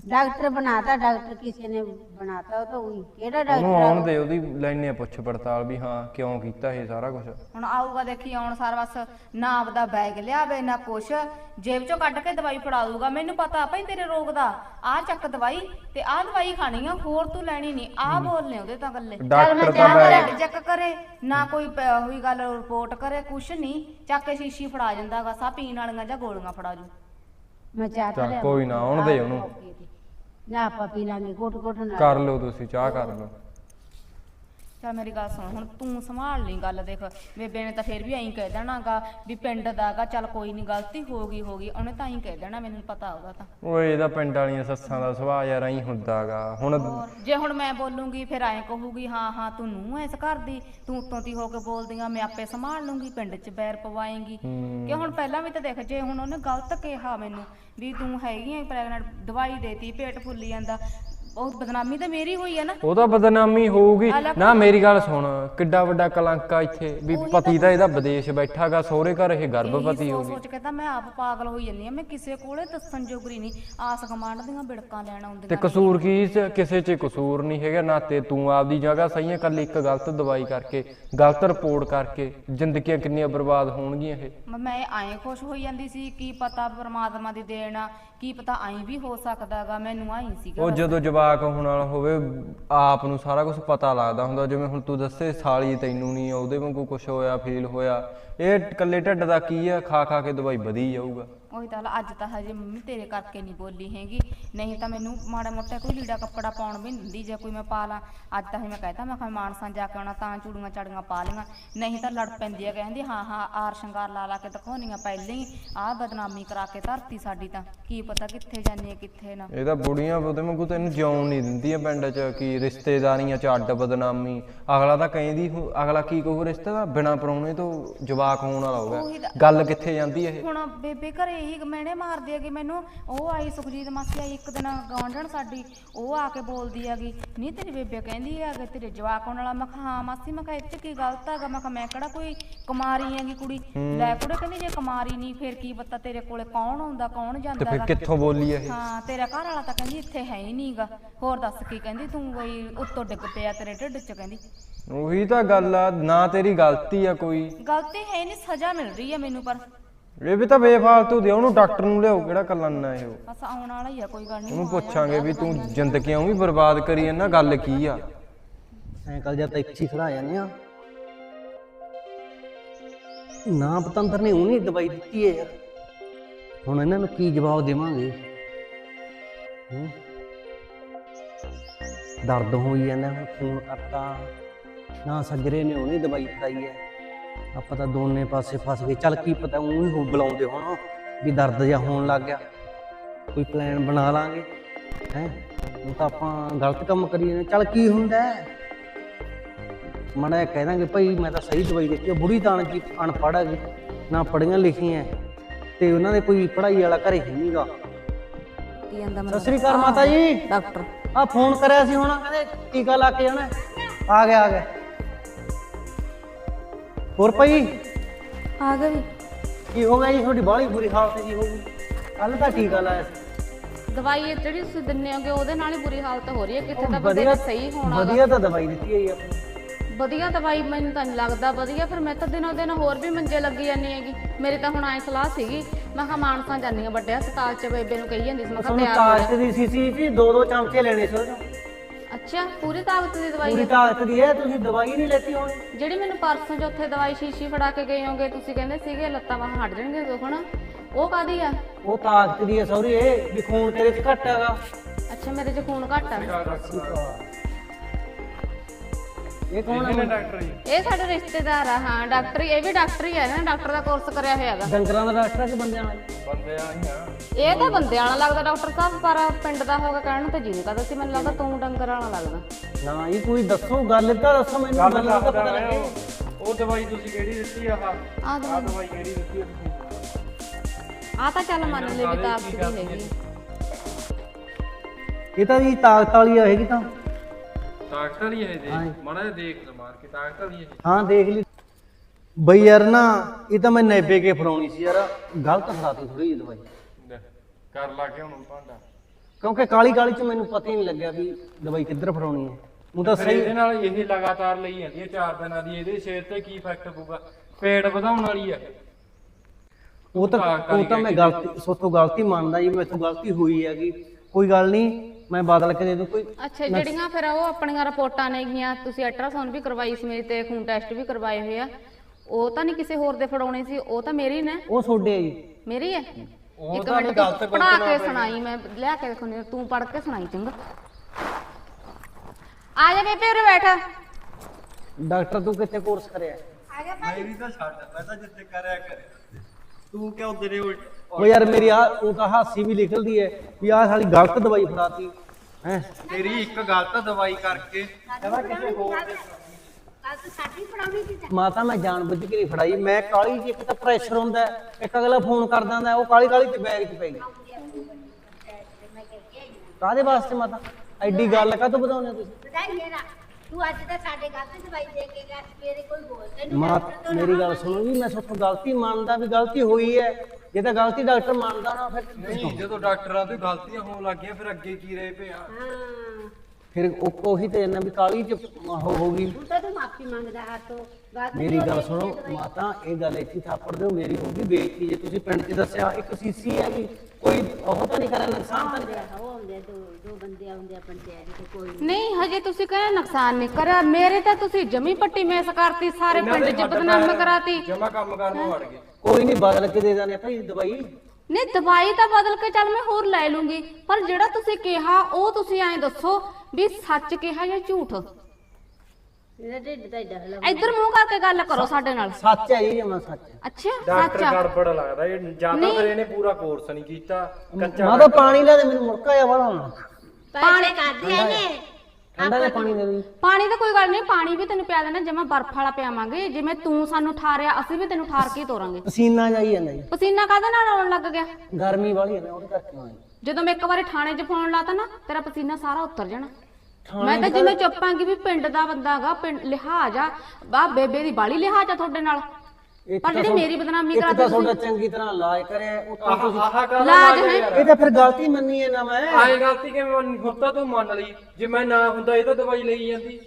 C: ਡਾਕਟਰ ਬਣਾਤਾ ਡਾਕਟਰ ਕਿਸੇ ਨੇ ਬਣਾਤਾ ਉਹ ਤਾਂ ਉਹੀ ਕਿਹੜਾ
A: ਉਹਨੂੰ
C: ਡਾਕਟਰ
A: ਆਉਣ
C: ਆ?
A: ਦੇ, ਉਹਦੀ ਲੈਣੇ ਪੁੱਛ ਪੜਤਾਲ ਵੀ ਹਾਂ ਕਿਉਂ ਕੀਤਾ ਇਹ ਸਾਰਾ ਕੁਝ।
B: ਹੁਣ ਆਊਗਾ ਦੇਖੀ ਆਉਣ ਸਾਰ ਬਸ ਨਾ ਆਪਦਾ ਬੈਗ ਲਿਆਵੇ ਨਾ ਕੁਛ, ਜੇਬ ਚੋਂ ਕੱਢ ਕੇ ਦਵਾਈ ਫੜਾ ਦੂਗਾ। ਮੈਨੂੰ ਪਤਾ ਭਾਈ ਤੇਰੇ ਰੋਗ ਦਾ, ਆਹ ਚੱਕ ਦਵਾਈ ਤੇ ਆਹ ਦਵਾਈ ਖਾਣੀ ਆ, ਹੋਰ ਤੂੰ ਲੈਣੀ ਨਹੀਂ। ਆਹ ਬੋਲਨੇ ਉਹਦੇ ਤਾਂ ਗੱਲੇ।
A: ਡਾਕਟਰ
B: ਨਾ
A: ਤਾਂ ਬੈ-
B: ਬਲੱਡ ਚੈੱਕ ਕਰੇ ਨਾ ਕੋਈ ਪ- ਹੋਈ ਗੱਲ ਰਿਪੋਰਟ ਕਰੇ, ਕੁਛ ਨਹੀਂ, ਚੱਕ ਕੇ ਸ਼ੀਸ਼ੀ ਫੜਾ ਜਾਂਦਾਗਾ। ਸਾ ਪੀਣ ਵਾਲੀਆਂ ਜਾਂ ਗੋਲੀਆਂ ਫੜਾ ਜੂ।
C: ਮੈਂ ਚਾਹ ਤਾਂ
A: ਚੱਲ
C: ਲਿਆਵਾਂ।
A: ਕੋਈ ਨਾ, ਆਉਣ ਦੇ ਉਹਨੂੰ।
C: ਨਾ ਆਪਾਂ ਪੀ ਲਾਂਗੇ ਘੁੱਟ ਘੁੱਟ ਨਾਲ।
A: ਕਰ ਲਓ ਤੁਸੀਂ, ਚਾਹ ਕਰ ਲਓ।
B: ਚੱਲ ਮੇਰੀ ਗੱਲ ਸੁਣ, ਹੁਣ ਤੂੰ ਸੰਭਾਲ ਲਈ ਗੱਲ। ਦੇਖ ਬੇਬੇ ਨੇ ਤਾਂ ਫੇਰ ਵੀ ਐਂ ਕਹਿ ਦੇਣਾਗਾ ਵੀ ਪਿੰਡ ਦਾਗਾ, ਚੱਲ ਕੋਈ ਨਹੀਂ ਗਲਤੀ ਹੋ ਗਈ ਹੋ ਗਈ, ਉਹਨੇ ਤਾਂ ਐਂ ਕਹਿ ਦੇਣਾ, ਮੈਨੂੰ ਪਤਾ ਉਹਦਾ ਤਾਂ।
A: ਓਏ ਇਹਦਾ ਪਿੰਡ ਵਾਲੀਆਂ ਸੱਸਾਂ ਦਾ ਸੁਭਾਅ ਯਾਰ ਐਂ ਹੁੰਦਾਗਾ। ਹੁਣ
B: ਹੋਰ ਜੇ ਹੁਣ ਮੈਂ ਬੋਲੂੰਗੀ ਫਿਰ ਐਂ ਕਹੂਗੀ ਹਾਂ ਹਾਂ ਤੂੰ ਨੂੰ ਐਸ ਘਰ ਦੀ, ਤੂੰ ਉੱਤੋਂ ਦੀ ਹੋ ਕੇ ਬੋਲਦੀਆਂ, ਮੈਂ ਆਪੇ ਸੰਭਾਲ ਲੂੰਗੀ, ਪਿੰਡ 'ਚ ਬੈਰ ਪਵਾਏਂਗੀ। ਕਿ ਹੁਣ ਪਹਿਲਾਂ ਵੀ ਤਾਂ ਦੇਖ, ਜੇ ਹੁਣ ਉਹਨੇ ਗਲਤ ਕਿਹਾ ਮੈਨੂੰ ਵੀ ਤੂੰ ਹੈਗੀ ਆ ਪ੍ਰੈਗਨੈਂਟ, ਦਵਾਈ ਦੇਤੀ, ਪੇਟ ਫੁੱਲੀ ਜਾਂਦਾ, ਉਹ ਬਦਨਾਮੀ ਤਾਂ ਮੇਰੀ ਹੋਈ ਹੈ ਨਾ।
A: ਉਹਦਾ ਬਦਨਾਮੀ ਹੋਊਗੀ ਨਾ। ਮੇਰੀ ਗੱਲ ਸੁਣ, ਕਿੱਡਾ ਵੱਡਾ ਕਲੰਕ ਆ ਇੱਥੇ ਵੀ ਪਤੀ ਤਾਂ ਇਹਦਾ ਵਿਦੇਸ਼ ਬੈਠਾਗਾ, ਸਹੁਰੇ ਘਰ ਇਹ ਗਰਭਵਤੀ ਹੋ
B: ਸੋਚ
A: ਗਈ।
B: ਸੋਚ ਕੇ ਤਾਂ ਮੈਂ ਆਪ ਪਾਗਲ ਹੋਈ ਜੰਨੀ ਆ। ਮੈਂ ਕਿਸੇ ਕੋਲੇ ਦੱਸਣ ਜੋਗਰੀ ਨਹੀਂ, ਆਸ ਗਮਾਂਡ ਦੀਆਂ ਬਿੜਕਾਂ ਲੈਣ
A: ਤੇ
B: ਆਉਂਦੀਆਂ।
A: ਕਸੂਰ ਕੀ ਚ- ਕਿਸੇ 'ਚ ਕਸੂਰ ਨਹੀਂ ਹੈਗਾ ਨਾ। ਤੇ ਤੂੰ ਆਪਦੀ ਜਗ੍ਹਾ ਸਹੀ ਹੈ, ਕੱਲੀ ਇੱਕ ਗਲਤ ਦਵਾਈ ਕਰਕੇ, ਗਲਤ ਰਿਪੋਰਟ ਕਰਕੇ ਜ਼ਿੰਦਗੀਆਂ ਕਿੰਨੀਆਂ ਬਰਬਾਦ ਹੋਣਗੀਆਂ ਇਹ।
B: ਮ- ਮੈਂ ਐਂ ਖੁਸ਼ ਹੋਈ ਜਾਂਦੀ ਸੀ, ਕੀ ਪਤਾ ਪਰਮਾਤਮਾ ਦੀ ਦੇਣ ਆ, ਕੀ ਪਤਾ ਐਂ ਵੀ ਹੋ ਸਕਦਾਗਾ, ਮੈਨੂੰ ਐਂ ਸੀਗਾ।
A: ਉਹ ਜਦੋਂ ਜਵਾਕ ਹੋਣ ਵਾਲਾ ਹੋਵੇ ਆਪ ਨੂੰ ਸਾਰਾ ਕੁਝ ਪਤਾ ਲੱਗਦਾ ਹੁੰਦਾ। ਜਿਵੇਂ ਹੁਣ ਤੂੰ ਦੱਸੇ ਸਾਲੀ ਤੈਨੂੰ ਨਹੀਂ ਉਹਦੇ ਵਾਂਗੂ ਕੁਝ ਹੋਇਆ, ਫੀਲ ਹੋਇਆ, ਇਹ ਇਕੱਲੇ ਢਿੱਡ ਦਾ ਕੀ ਆ, ਖਾ ਖਾ ਕੇ ਦਵਾਈ ਵਧੀ ਜਾਊਗਾ।
B: ਉਹੀ ਤਾਂ ਅੱਜ ਤਾਂ ਹਜੇ ਮੰਮੀ ਤੇਰੇ ਕਰਕੇ ਨਹੀਂ ਬੋਲੀ ਹੈਗੀ, ਨਹੀਂ ਤਾਂ ਮੈਨੂੰ ਮਾੜਾ ਮੋਟਾ ਕੋਈ ਲੀੜਾ ਕੱਪੜਾ ਪਾਉਣ ਵੀ ਨਹੀਂ ਦਿੰਦੀ ਜੇ ਕੋਈ ਮੈਂ ਪਾ ਲਾਂ। ਅੱਜ ਤਾਂ ਹੀ ਮੈਂ ਕਹਿਤਾ, ਮੈਂ ਕਿਹਾ ਮਾਨਸਾਂ ਜਾ ਕੇ ਆਉਣਾ ਤਾਂ ਚੂੜੀਆਂ ਚਾੜੀਆਂ ਪਾ ਲਈਆਂ, ਨਹੀਂ ਤਾਂ ਲੜ ਪੈਂਦੀ ਆ, ਕਹਿੰਦੀ ਹਾਂ ਹਾਂ ਆਰ ਸ਼ਿੰਗਾਰ ਲਾ ਲਾ ਕੇ ਦਿਖਾਉਣੀਆਂ ਪਹਿਲਾਂ ਹੀ, ਆਹ ਬਦਨਾਮੀ ਕਰਾ ਕੇ ਧਰਤੀ ਸਾਡੀ, ਤਾਂ ਕੀ ਪਤਾ ਕਿੱਥੇ ਜਾਂਦੀ ਹੈ ਕਿੱਥੇ ਨਾ।
A: ਇਹ ਤਾਂ ਬੁੜੀਆਂ ਉਹਦੇ ਵਾਂਗੂ ਤੈਨੂੰ ਜਿਉਣ ਨਹੀਂ ਦਿੰਦੀਆਂ ਪਿੰਡ 'ਚ, ਕੀ ਰਿਸ਼ਤੇਦਾਰੀਆਂ 'ਚ ਅੱਡ ਬਦਨਾਮੀ। ਅਗਲਾ ਤਾਂ ਕਹਿੰਦੀ ਹੁ- ਅਗਲਾ ਕੀ ਕਹੂ, ਰਿਸ਼ਤੇ ਦਾ ਬਿਨਾਂ ਪ੍ਰਾਹੁਣੇ ਤੋਂ ਜਵਾਕ ਹੋਣ ਵਾਲਾ
B: ਉਹੀ
A: ਹੋਊਗਾ,
B: ਤਾਂ-
A: ਗੱਲ ਕਿੱਥੇ ਜਾਂਦੀ ਇਹ।
B: ਹੁਣ ਬੇਬੇ ਘਰੇ ਇਹੀ ਮੈਨੇ ਮਾਰਦੀ ਹੈਗੀ ਮੈਨੂੰ। ਉਹ ਆਈ ਸੁਖਜੀਤ ਮਾਸੀ ਆਈ ਇੱਕ ਦਿਨ ਗਵਾਂਢਣ ਸਾਡੀ, ਉਹ ਆ ਕੇ ਬੋਲਦੀ ਹੈਗੀ, ਨਹੀਂ ਤੇਰੀ ਬੇਬੇ ਕਹਿੰਦੀ ਹੈਗੇ ਤੇਰੇ ਜਵਾਕ ਹੋਣ ਵਾਲਾ। ਮੈਂ ਕਿਹਾ ਹਾਂ ਮਾਸੀ, ਮੈਂ ਕਿਹਾ ਇੱਥੇ ਕੀ ਗਲਤ ਹੈਗਾ, ਮੈਂ ਕਿਹਾ ਮੈਂ ਕਿਹੜਾ ਕੋਈ ਕੁਮਾਰੀ ਹੈਗੀ ਕੁੜੀ। ਲੈ ਕੁੜੇ ਕਹਿੰਦੀ ਜੇ ਕੁਮਾਰੀ ਨਹੀਂ ਫਿਰ ਕੀ ਪਤਾ ਤੇਰੇ ਕੋਲੇ ਕੌਣ ਆਉਂਦਾ ਕੌਣ
A: ਤੇ
B: ਜਾਂਦਾ
A: ਫਿਰ
B: ਗਾ।
A: ਕਿੱਥੋਂ ਬੋਲੀ ਇਹ।
B: ਹਾਂ ਤੇਰਾ ਘਰ ਵਾਲਾ ਤਾਂ ਕਹਿੰਦੀ ਇੱਥੇ ਹੈ ਹੀ ਨਹੀਂਗਾ, ਹੋਰ ਦੱਸ ਕੀ ਕਹਿੰਦੀ, ਤੂੰ ਕੋਈ ਉੱਤੋਂ ਡਿੱਗ ਪਿਆ ਤੇਰੇ ਢਿੱਡ 'ਚ ਕਹਿੰਦੀ।
A: ਉਹੀ ਤਾਂ ਗੱਲ ਆ, ਨਾ ਤੇਰੀ ਗਲਤੀ ਆ ਕੋਈ,
B: ਗਲਤੀ ਹੈ ਨਹੀਂ, ਸਜ਼ਾ ਮਿਲ ਰਹੀ ਹੈ ਮੈਨੂੰ। ਪਰ
A: ਇਹ ਵੀ ਤਾਂ ਬੇਫਾਲਤੂ ਦੇ, ਉਹਨੂੰ ਡਾਕਟਰ ਨੂੰ ਲਿਆਓ, ਕਿਹੜਾ ਕੱਲਨ ਆ ਇਹ। ਉਹ
B: ਬਸ ਆਉਣ ਵਾਲਾ ਹੀ ਆ, ਕੋਈ ਗੱਲ ਨਹੀਂ।
A: ਉਹਨੂੰ ਪੁੱਛਾਂਗੇ ਵੀ ਤੂੰ ਜ਼ਿੰਦਗੀਆਂ ਵੀ ਬਰਬਾਦ ਕਰੀ ਜਾਂਦਾ, ਗੱਲ ਕੀ ਆ।
D: ਸਾਈਕਲ ਜਾਂ ਤਾਂ ਇੱਥੇ ਹੀ ਖੜਾ ਜਾਂਦੇ ਆ ਨਾ। ਪਤੰਦਰ ਨੇ ਉਹਨੇ ਦਵਾਈ ਦਿੱਤੀ ਹੈ ਯਾਰ, ਹੁਣ ਇਹਨਾਂ ਨੂੰ ਕੀ ਜਵਾਬ ਦੇਵਾਂਗੇ। ਹੂੰ ਦਰਦ ਹੋਈ ਜਾਂਦਾ, ਹੁਣ ਫੋਨ ਕਰਤਾ ਨਾ, ਸੱਜਰੇ ਨੇ ਉਹਨੇ ਦਵਾਈ ਖਾਈ ਹੈ, ਆਪਾਂ ਤਾਂ ਦੋਨੇ ਪਾਸੇ ਫਸ ਗਏ। ਚੱਲ ਕੀ ਪਤਾ ਉਹ ਹੀ ਹੋ ਬੁਲਾਉਂਦੇ ਹੁਣ ਵੀ ਦਰਦ ਜਿਹਾ ਹੋਣ ਲੱਗ ਗਿਆ, ਕੋਈ ਪਲਾਨ ਬਣਾ ਲਾਂਗੇ ਹੈ। ਉਹ ਤਾਂ ਆਪਾਂ ਗਲਤ ਕੰਮ ਕਰੀ ਜਾਂਦੇ, ਚੱਲ ਕੀ ਹੁੰਦਾ ਹੈ, ਮਾੜਾ ਜਿਹਾ ਕਹਿ ਦਾਂਗੇ ਭਾਈ ਮੈਂ ਤਾਂ ਸਹੀ ਦਵਾਈ ਦਿੱਤੀ ਹੈ। ਬੁੜੀ ਤਾਂ ਜੀ ਅਨਪੜ੍ਹ ਹੈਗੀ, ਨਾ ਪੜ੍ਹੀਆਂ ਲਿਖੀਆਂ, ਤੇ ਉਹਨਾਂ ਦੇ ਕੋਈ ਪੜ੍ਹਾਈ ਵਾਲਾ ਘਰੇ ਹੀ ਨਹੀਂਗਾ।
B: ਕੀ ਜਾਂਦਾ
D: ਸਤਿ ਸ੍ਰੀ ਅਕਾਲ ਮਾਤਾ ਜੀ।
B: ਡਾਕਟਰ
D: ਆ ਫੋਨ ਕਰਿਆ ਸੀ ਹੁਣ, ਕਹਿੰਦੇ ਟੀਕਾ ਲਾ ਕੇ ਜਾਣਾ। ਆ ਗਿਆ ਆ ਗਿਆ। ਹੋਰ ਭਾਈ
B: ਆ ਗਏ ਵੀ।
D: ਕੀ ਹੋ ਗਿਆ ਜੀ, ਤੁਹਾਡੀ ਬਾਹਲੀ ਬੁਰੀ ਹਾਲਤ ਜੀ ਹੋ ਗਈ। ਕੱਲ ਤਾਂ ਟੀਕਾ ਲਾਇਆ ਸੀ।
B: ਦਵਾਈ ਇਹ ਜਿਹੜੀ ਤੁਸੀਂ ਦਿੰਨੇ ਹੋਗੇ ਉਹਦੇ ਨਾਲ ਹੀ ਬੁਰੀ ਹਾਲਤ ਹੋ ਰਹੀ ਹੈ, ਕਿੱਥੇ ਤਾਂ ਬੰਦੇ
D: ਵਧੀਆ
B: ਦਾ ਸਹੀ ਹੋਣਾ ਗਾ।
D: ਵਧੀਆ ਤਾਂ ਦਵਾਈ ਦਿੱਤੀ ਹੈ ਜੀ ਆਪਣੀ।
B: ਵਧੀਆ ਦਵਾਈ ਮੈਨੂੰ ਤਾਂ ਨਹੀਂ ਲੱਗਦਾ ਵਧੀਆ, ਫਿਰ ਮੈਂ ਤਾਂ ਦਿਨੋਂ ਦਿਨ ਹੋਰ ਵੀ ਮੰਜੇ ਲੱਗੀ ਜਾਂਦੀ ਹੈਗੀ। ਮੇਰੀ ਤਾਂ ਹੁਣ ਐ ਸਲਾਹ ਸੀਗੀ, ਮੈਂ ਕਿਹਾ ਮਾਨਸਾਂ ਜਾਂਦੀ ਆ ਵੱਡੇ ਹਸਪਤਾਲ 'ਚ, ਬੇਬੇ ਨੂੰ ਕਹੀ ਜਾਂਦੀ ਸੀ, ਮੈਂ ਕਿਹਾ
D: ਤੁਹਾਨੂੰ
B: ਤਿਆਰ ਹੋ
D: ਤਾਕਤ ਦੀ ਸੀਸੀ ਜੀ ਦੋ ਦੋ ਚਮਚੇ ਲੈਣੇ ਸੀ ਉਹਦੇ ਚੋਂ।
B: ਜਾ। ਅੱਛਾ ਪੂਰੀ ਤਾਕਤ ਦੀ ਦਵਾਈ
D: ਪੂਰੀ
B: ਹੈ?
D: ਤਾਕਤ ਦੀ ਹੈ, ਤੁਸੀਂ ਦਵਾਈ ਨਹੀਂ ਲੈਤੀ ਹੁਣ।
B: ਜਿਹੜੀ ਮੈਨੂੰ ਪਰਸੋਂ ਜੋ ਉੱਥੇ ਦਵਾਈ ਸ਼ੀਸ਼ੀ ਫੜਾ ਕੇ ਗਏ ਹੋਗੇ, ਤੁਸੀਂ ਕਹਿੰਦੇ ਸੀਗੇ ਲੱਤਾਂ ਬਾਹਾਂ ਹਟ ਜਾਣਗੀਆਂ ਦੁਖਣ, ਉਹ ਕਾਦੀ ਆ?
D: ਉਹ ਤਾਕਤ ਦੀ ਹੈ ਸੌਰੀ, ਇਹ ਵੀ ਖੂਨ ਤੇਰੇ 'ਚ ਘੱਟ ਹੈਗਾ।
B: ਅੱਛਾ ਮੇਰੇ 'ਚ ਖੂਨ ਘੱਟ ਆ।
D: ਇਹ ਕੌਣ ਹੈ?
A: ਡਾਕਟਰ ਜੀ
B: ਇਹ ਸਾਡੇ ਰਿਸ਼ਤੇਦਾਰ ਆ। ਹਾਂ ਡਾਕਟਰ ਹੀ, ਇਹ ਵੀ ਡਾਕਟਰ ਹੀ ਹੈ ਨਾ, ਡਾਕਟਰ ਦਾ ਕੋਰਸ ਕਰਿਆ ਹੋਇਆ ਹੈਗਾ।
D: ਡੰਗਰਾਂ ਦਾ ਡਾਕਟਰ ਹੈ ਕਿ ਬੰਦਿਆਂ ਵਾਲਾ?
A: ਬੰਦੇ ਆਈਆਂ।
B: ਇਹ ਤਾਂ ਬੰਦਿਆਂ ਵਾਲਾ ਲੱਗਦਾ ਡਾਕਟਰ ਸਾਹਿਬ, ਪਰ ਪਿੰਡ ਦਾ ਹੋਗਾ ਕਹਿਣ ਨੂੰ ਤਾਂ ਜੀ ਨਹੀਂ ਕਰਦਾ ਸੀ, ਮੈਨੂੰ ਲੱਗਦਾ ਤੂੰ ਡੰਗਰ ਵਾਲਾ ਲੱਗਦਾ।
D: ਨਾ ਇਹ ਕੋਈ ਦੱਸੋ, ਗੱਲ ਤਾਂ ਦੱਸੋ ਮੈਨੂੰ, ਗੱਲ ਦਾ ਪਤਾ ਲੱਗੇ।
A: ਉਹ ਦਵਾਈ ਤੁਸੀਂ ਕਿਹੜੀ ਦਿੱਤੀ ਆ? ਆਹ
B: ਆ ਦਵਾਈ
A: ਦਵਾਈ ਕਿਹੜੀ ਦਿੱਤੀ ਆ ਤੁਸੀਂ?
B: ਆ ਤਾਂ ਚੱਲ ਮੰਨ ਲੈ ਵੀ ਤਾਕਤ ਦੀ ਹੈਗੀ।
D: ਇਹ ਤਾਂ ਜੀ ਤਾਕਤ ਵਾਲੀ ਹੈਗੀ ਤਾਂ।
A: ਤਾਕਤ ਵਾਲੀ ਇਹ ਦੇ ਮਾੜਾ ਜਿਹਾ ਦੇਖ ਲੈ ਮਾਰ ਕੇ, ਤਾਕਤ ਵਾਲੀ ਇਹ।
D: ਹਾਂ ਦੇਖ ਲਈ ਬਈ ਯਾਰ, ਨਾ ਇਹ ਤਾਂ ਮੈਂ ਨੈਬੇ ਕੇ ਫੜਾਉਣੀ ਸੀ ਯਾਰ, ਗਲਤ ਫੜਾਤੀ ਥੋੜੀ ਜਿਹੀ ਦਵਾਈ।
A: ਲੈ, ਕਰ ਲਾ ਕੇ ਹੁਣ ਭਾਂਡਾ।
D: ਕਿਉਂਕਿ ਕਾਲੀ ਕਾਲੀ ਚ ਮੈਨੂੰ ਪਤਾ ਹੀ ਨਹੀਂ ਲੱਗਿਆ ਵੀ ਦਵਾਈ ਕਿੱਧਰ ਫੜਾਉਣੀ ਹੈ। ਉਹ ਤਾਂ
A: ਫਿਰ
D: ਸਹੀ
A: ਇਹਦੇ ਨਾਲ ਇਹ ਲਗਾਤਾਰ ਲਈ ਜਾਂਦੀ ਹੈ ਚਾਰ ਦਿਨਾਂ ਦੀ, ਇਹਦੇ ਸਿਰ ਤੇ ਕੀ ਇਫੈਕਟ ਪਊਗਾ? ਪੇਟ ਵਧਾਉਣ ਵਾਲੀ ਆ।
D: ਉਹ ਤਾਂ ਉਹ ਤਾਂ ਮੈਂ ਗਲਤੀ ਸੋਤੋਂ ਗਲਤੀ ਮੰਨਦਾ ਜੀ, ਮੈਥੋਂ ਗਲਤੀ ਹੋਈ ਹੈਗੀ, ਕੋਈ ਗੱਲ ਨਹੀਂ, ਮੈਂ ਬਦਲ ਕੇ ਦੇ ਦੂੰ ਕੋਈ।
B: ਅੱਛਾ ਜਿਹੜੀਆਂ ਫਿਰ ਉਹ ਆਪਣੀਆਂ ਰਿਪੋਰਟਾਂ ਨੇਗੀਆਂ, ਤੁਸੀਂ ਅਲਟਰਾਸਾਊਂਡ ਵੀ ਕਰਵਾਈ ਸੀ ਮੇਰੀ ਤੇ ਖੂਨ ਟੈਸਟ ਵੀ ਕਰਵਾਏ ਹੋਏ ਆ, ਉਹ ਤਾਂ ਨਹੀਂ ਕਿਸੇ ਹੋਰ ਦੇ ਫੜਾਉਣੇ ਸੀ? ਉਹ ਤਾਂ ਮੇਰੀ ਨੇ।
D: ਉਹ ਤੁਹਾਡੇ ਆ ਜੀ।
B: ਮੇਰੀ ਹੈ?
A: ਉਹ
B: ਇੱਕ
A: ਤਾਂ
B: ਮਿੰਟ
A: ਗਲਤ
B: ਤੂੰ ਪੜ੍ਹਾ ਕੇ ਸੁਣਾਈ, ਮੈਂ ਲਿਆ ਕੇ ਦੇਖੋ, ਤੂੰ ਪੜ੍ਹ ਕੇ ਸੁਣਾਈ ਚੰਗਾ। ਆ ਜਾ ਬੇਬੇ ਉਰੇ ਬੈਠ।
D: ਡਾਕਟਰ ਤੂੰ ਕਿੱਥੇ ਕੋਰਸ ਕਰਿਆ?
A: ਮੇਰੀ ਤਾਂ ਛੱਡ, ਮੈਂ ਤਾਂ ਜਿੱਥੇ ਕਰਿਆ ਕਰੇ, ਤੂੰ ਕਿਉਂ ਤੇਰੇ ਉਲਟ?
D: ਉਹ ਯਾਰ ਮੇਰੀ ਆ ਉਹ ਤਾਂ ਹਾਸੀ ਵੀ ਨਿਕਲਦੀ ਹੈ ਵੀ ਆਹ ਸਾਲੀ ਗਲਤ ਦਵਾਈ ਫੜਾਤੀ ਹੈ।
A: ਤੇਰੀ ਇੱਕ ਗਲਤ ਦਵਾਈ ਕਰਕੇ ਕਹਿੰਦਾ ਕਿਸੇ ਹੋਰ ਦੇ
D: ਮਾਤਾ ਮੈਂ ਜਾਣ ਬੁੱਝ ਕੇ ਨਹੀਂ ਫੜਾਈ, ਮੈਂ ਕਾਲੀ ਚ ਇੱਕ ਤਾਂ ਪ੍ਰੈਸ਼ਰ ਹੁੰਦਾ ਹੈ, ਇੱਕ ਅਗਲਾ ਫੋਨ ਕਰ ਦਿੰਦਾ, ਉਹ ਕਾਲੀ ਕਾਲੀ ਚ ਬੈਗ ਚ ਪੈ ਗਈ। ਕਾਹਦੇ ਵਾਸਤੇ ਮਾਤਾ ਐਡੀ ਗੱਲ ਕਾਹਤੋਂ ਵਧਾਉਂਦੇ ਹੋ ਤੁਸੀਂ?
C: ਤੂੰ ਅੱਜ ਤਾਂ ਸਾਡੇ ਘਰ ਤੇ ਦਵਾਈ ਦੇ ਕੇ ਗਿਆ, ਮੇਰੇ ਕੋਈ ਬੋਲ ਤੈਨੂੰ
D: ਮਾਂ ਮੇਰੀ ਗੱਲ ਸੁਣੋ ਜੀ, ਮੈਂ ਸੋਥੋਂ ਗਲਤੀ ਮੰਨਦਾ ਵੀ ਗਲਤੀ ਹੋਈ ਹੈ, ਜੇ ਤਾਂ ਗਲਤੀ ਡਾਕਟਰ ਮੰਨਦਾ ਨਾ ਫਿਰ
A: ਨਹੀਂ, ਜਦੋਂ ਡਾਕਟਰਾਂ ਤੋਂ ਗਲਤੀਆਂ ਹੋਣ ਲੱਗੀਆਂ ਫਿਰ ਅੱਗੇ ਕੀ ਰਹੇ ਪਿਆ?
C: ਹਾਂ
D: ਫਿਰ ਉਹ ਉਹੀ ਤੇ ਇਹਨਾਂ ਵੀ ਕਾਲੀ ਚ ਉਹ ਹੋ ਗਈ।
C: ਤੂੰ ਤਾਂ ਤੂੰ ਮਾਫੀ ਮੰਗਦਾ ਹੱਥੋਂ ਗਲਤੀ
D: ਮੇਰੀ
C: ਹੋ
D: ਗੱਲ
C: ਗਈ
D: ਸੁਣੋ
C: ਤੇ ਦਵਾਈ-
D: ਮਾਤਾ, ਇਹ ਗੱਲ ਇੱਥੇ ਥਾਪੜ ਦਿਓ, ਮੇਰੀ ਹੋ ਗਈ ਬੇਇੱਜ਼ਤੀ। ਜੇ ਤੁਸੀਂ ਪਿੰਡ 'ਚ ਦੱਸਿਆ ਇੱਕ ਸੀਸੀ ਹੈਗੀ, ਕੋਈ ਉਹ ਤਾਂ ਨਹੀਂ ਕਰਿਆ, ਨੁਕਸਾਨ ਤਾਂ ਨਹੀਂ ਕਰਿਆ।
C: ਉਹ ਹੁੰਦੇ ਦੋ ਦੋ ਬੰਦੇ ਆਉਂਦੇ ਆ ਪੰਚਾਇਤ ਤੇ ਕੋਈ
B: ਨਹੀਂ ਹਜੇ ਤੁਸੀਂ ਕਹਿੰਦੇ ਨੁਕਸਾਨ ਨਹੀਂ ਕਰਿਆ, ਮੇਰੇ ਤਾਂ ਤੁਸੀਂ ਜਮੀ ਪੱਟੀ ਮੈਸ ਕਰਤੀ, ਸਾਰੇ ਪਿੰਡ 'ਚ ਬਦਨਾਮ ਕਰਾਤੀ।
A: ਜਮਾ ਕੰਮ ਕਰਨ ਨੂੰ ਹਟ ਗਏ।
D: ਕੋਈ ਨਹੀਂ ਬਦਲ ਕੇ ਦੇ ਦਾਨੇ ਭਾਈ ਦਵਾਈ।
B: ਨਹੀਂ ਦਵਾਈ ਤਾਂ ਬਦਲ ਕੇ ਚੱਲ ਮੈਂ ਹੋਰ ਲੈ ਲੂੰਗੀ, ਪਰ ਜਿਹੜਾ ਤੁਸੀਂ ਕਿਹਾ ਉਹ ਤੁਸੀਂ ਐਂ ਦੱਸੋ ਵੀ ਸੱਚ ਕਿਹਾ ਜਾਂ ਝੂਠ?
C: ਇਹਦਾ ਢਿੱਡ ਤਾਂ ਏਡਾ ਹਲਾ
B: ਇੱਧਰ ਮੂੰਹ ਕਰਕੇ ਗੱਲ ਕਰੋ ਸਾਡੇ ਨਾਲ।
D: ਸੱਚ ਹੈ ਜੀ, ਜਮਾ ਸੱਚ ਹੈ।
B: ਅੱਛਾ
A: ਡਾਕਟਰ
B: ਸੱਚ ਆ।
A: ਗੜਬੜ ਲੱਗਦਾ, ਇਹ ਜਾਂ ਤਾਂ ਫਿਰ ਇਹਨੇ ਪੂਰਾ ਕੋਰਸ ਨਹੀਂ ਕੀਤਾ, ਕੱਚਾ
D: ਮਾਤਾ ਪਾਣੀ ਲੈ ਦੇ, ਮੈਨੂੰ ਮੁੜਕਾ ਆਇਆ ਵਾਲਾ ਹੁਣ।
C: ਪਾਣੀ ਕਰਦੇ ਆ ਨੇ
D: ਠੰਡਾ ਜਿਹਾ ਪਾਣੀ ਦੇ ਦੇ।
B: ਪਾਣੀ ਤਾਂ ਕੋਈ ਗੱਲ ਨਹੀਂ, ਪਾਣੀ ਵੀ ਤੈਨੂੰ ਪਿਆ ਦੇਣਾ, ਜਮਾ ਬਰਫ ਵਾਲਾ ਪਿਆਵਾਂਗੇ, ਜਿਵੇਂ ਤੂੰ ਸਾਨੂੰ ਠਾਰਿਆ ਅਸੀਂ ਵੀ ਤੈਨੂੰ ਠਾਰ ਕੇ ਹੀ ਤੋਰਾਂਗੇ।
D: ਪਸੀਨਾ ਜਾਈ ਜਾਂਦਾ ਜੀ,
B: ਪਸੀਨਾ ਕਾਹਦੇ ਨਾਲ ਆਉਣ ਲੱਗ ਗਿਆ?
D: ਗਰਮੀ ਵਾਲੀ ਹੈ ਨਾ, ਉਹਦੇ ਕਰਕੇ ਆਈ।
B: ਜਦੋਂ ਮੈਂ ਇੱਕ ਵਾਰੀ ਥਾਣੇ 'ਚ ਫੋਨ ਲਾਤਾ ਨਾ, ਤੇਰਾ ਪਸੀਨਾ ਸਾਰਾ ਉਤਰ ਜਾਣਾ।
D: ਥਾਣੇ
B: ਮੈਂ ਤਾਂ
D: ਚ
B: ਜਿਵੇਂ ਚੁੱਪਾਂਗੀ ਵੀ ਪਿੰਡ ਦਾ ਬੰਦਾਗਾ, ਪਿੰਡ ਲਿਹਾਜ਼ ਆ, ਬਾ ਬੇਬੇ ਦੀ ਬਾਲੀ ਲਿਹਾਜ਼ ਆ ਤੁਹਾਡੇ ਨਾਲ,
D: ਇੱਕ
B: ਪਰ
D: ਤਾਂ
B: ਜਿਹੜੀ
D: ਤੁਹਾਡਾ-
B: ਮੇਰੀ ਬਦਨਾਮੀ
D: ਇੱਕ
B: ਕਰਾ
D: ਤਾਂ
B: ਦਿੱਤੀ
D: ਤੁਹਾਡਾ ਚੰਗੀ ਤਰ੍ਹਾਂ ਇਲਾਜ ਕਰਿਆ, ਉਹ ਤਾਂ ਤੁਸੀਂ
A: ਆਹ ਗੱਲ
B: ਲਾਜ ਹੈ।
D: ਇਹ ਤਾਂ ਫਿਰ ਗਲਤੀ ਮੰਨੀ ਹੈ ਨਾ ਮੈਂ।
A: ਆਏ ਗਲਤੀ ਕਿਵੇਂ ਮੰਨ, ਹੁਣ ਤਾਂ ਤੂੰ ਮੰਨ ਲਈ, ਜੇ ਮੈਂ ਨਾ ਹੁੰਦਾ ਇਹ ਤਾਂ ਦਵਾਈ ਲਈ ਜਾਂਦੀ।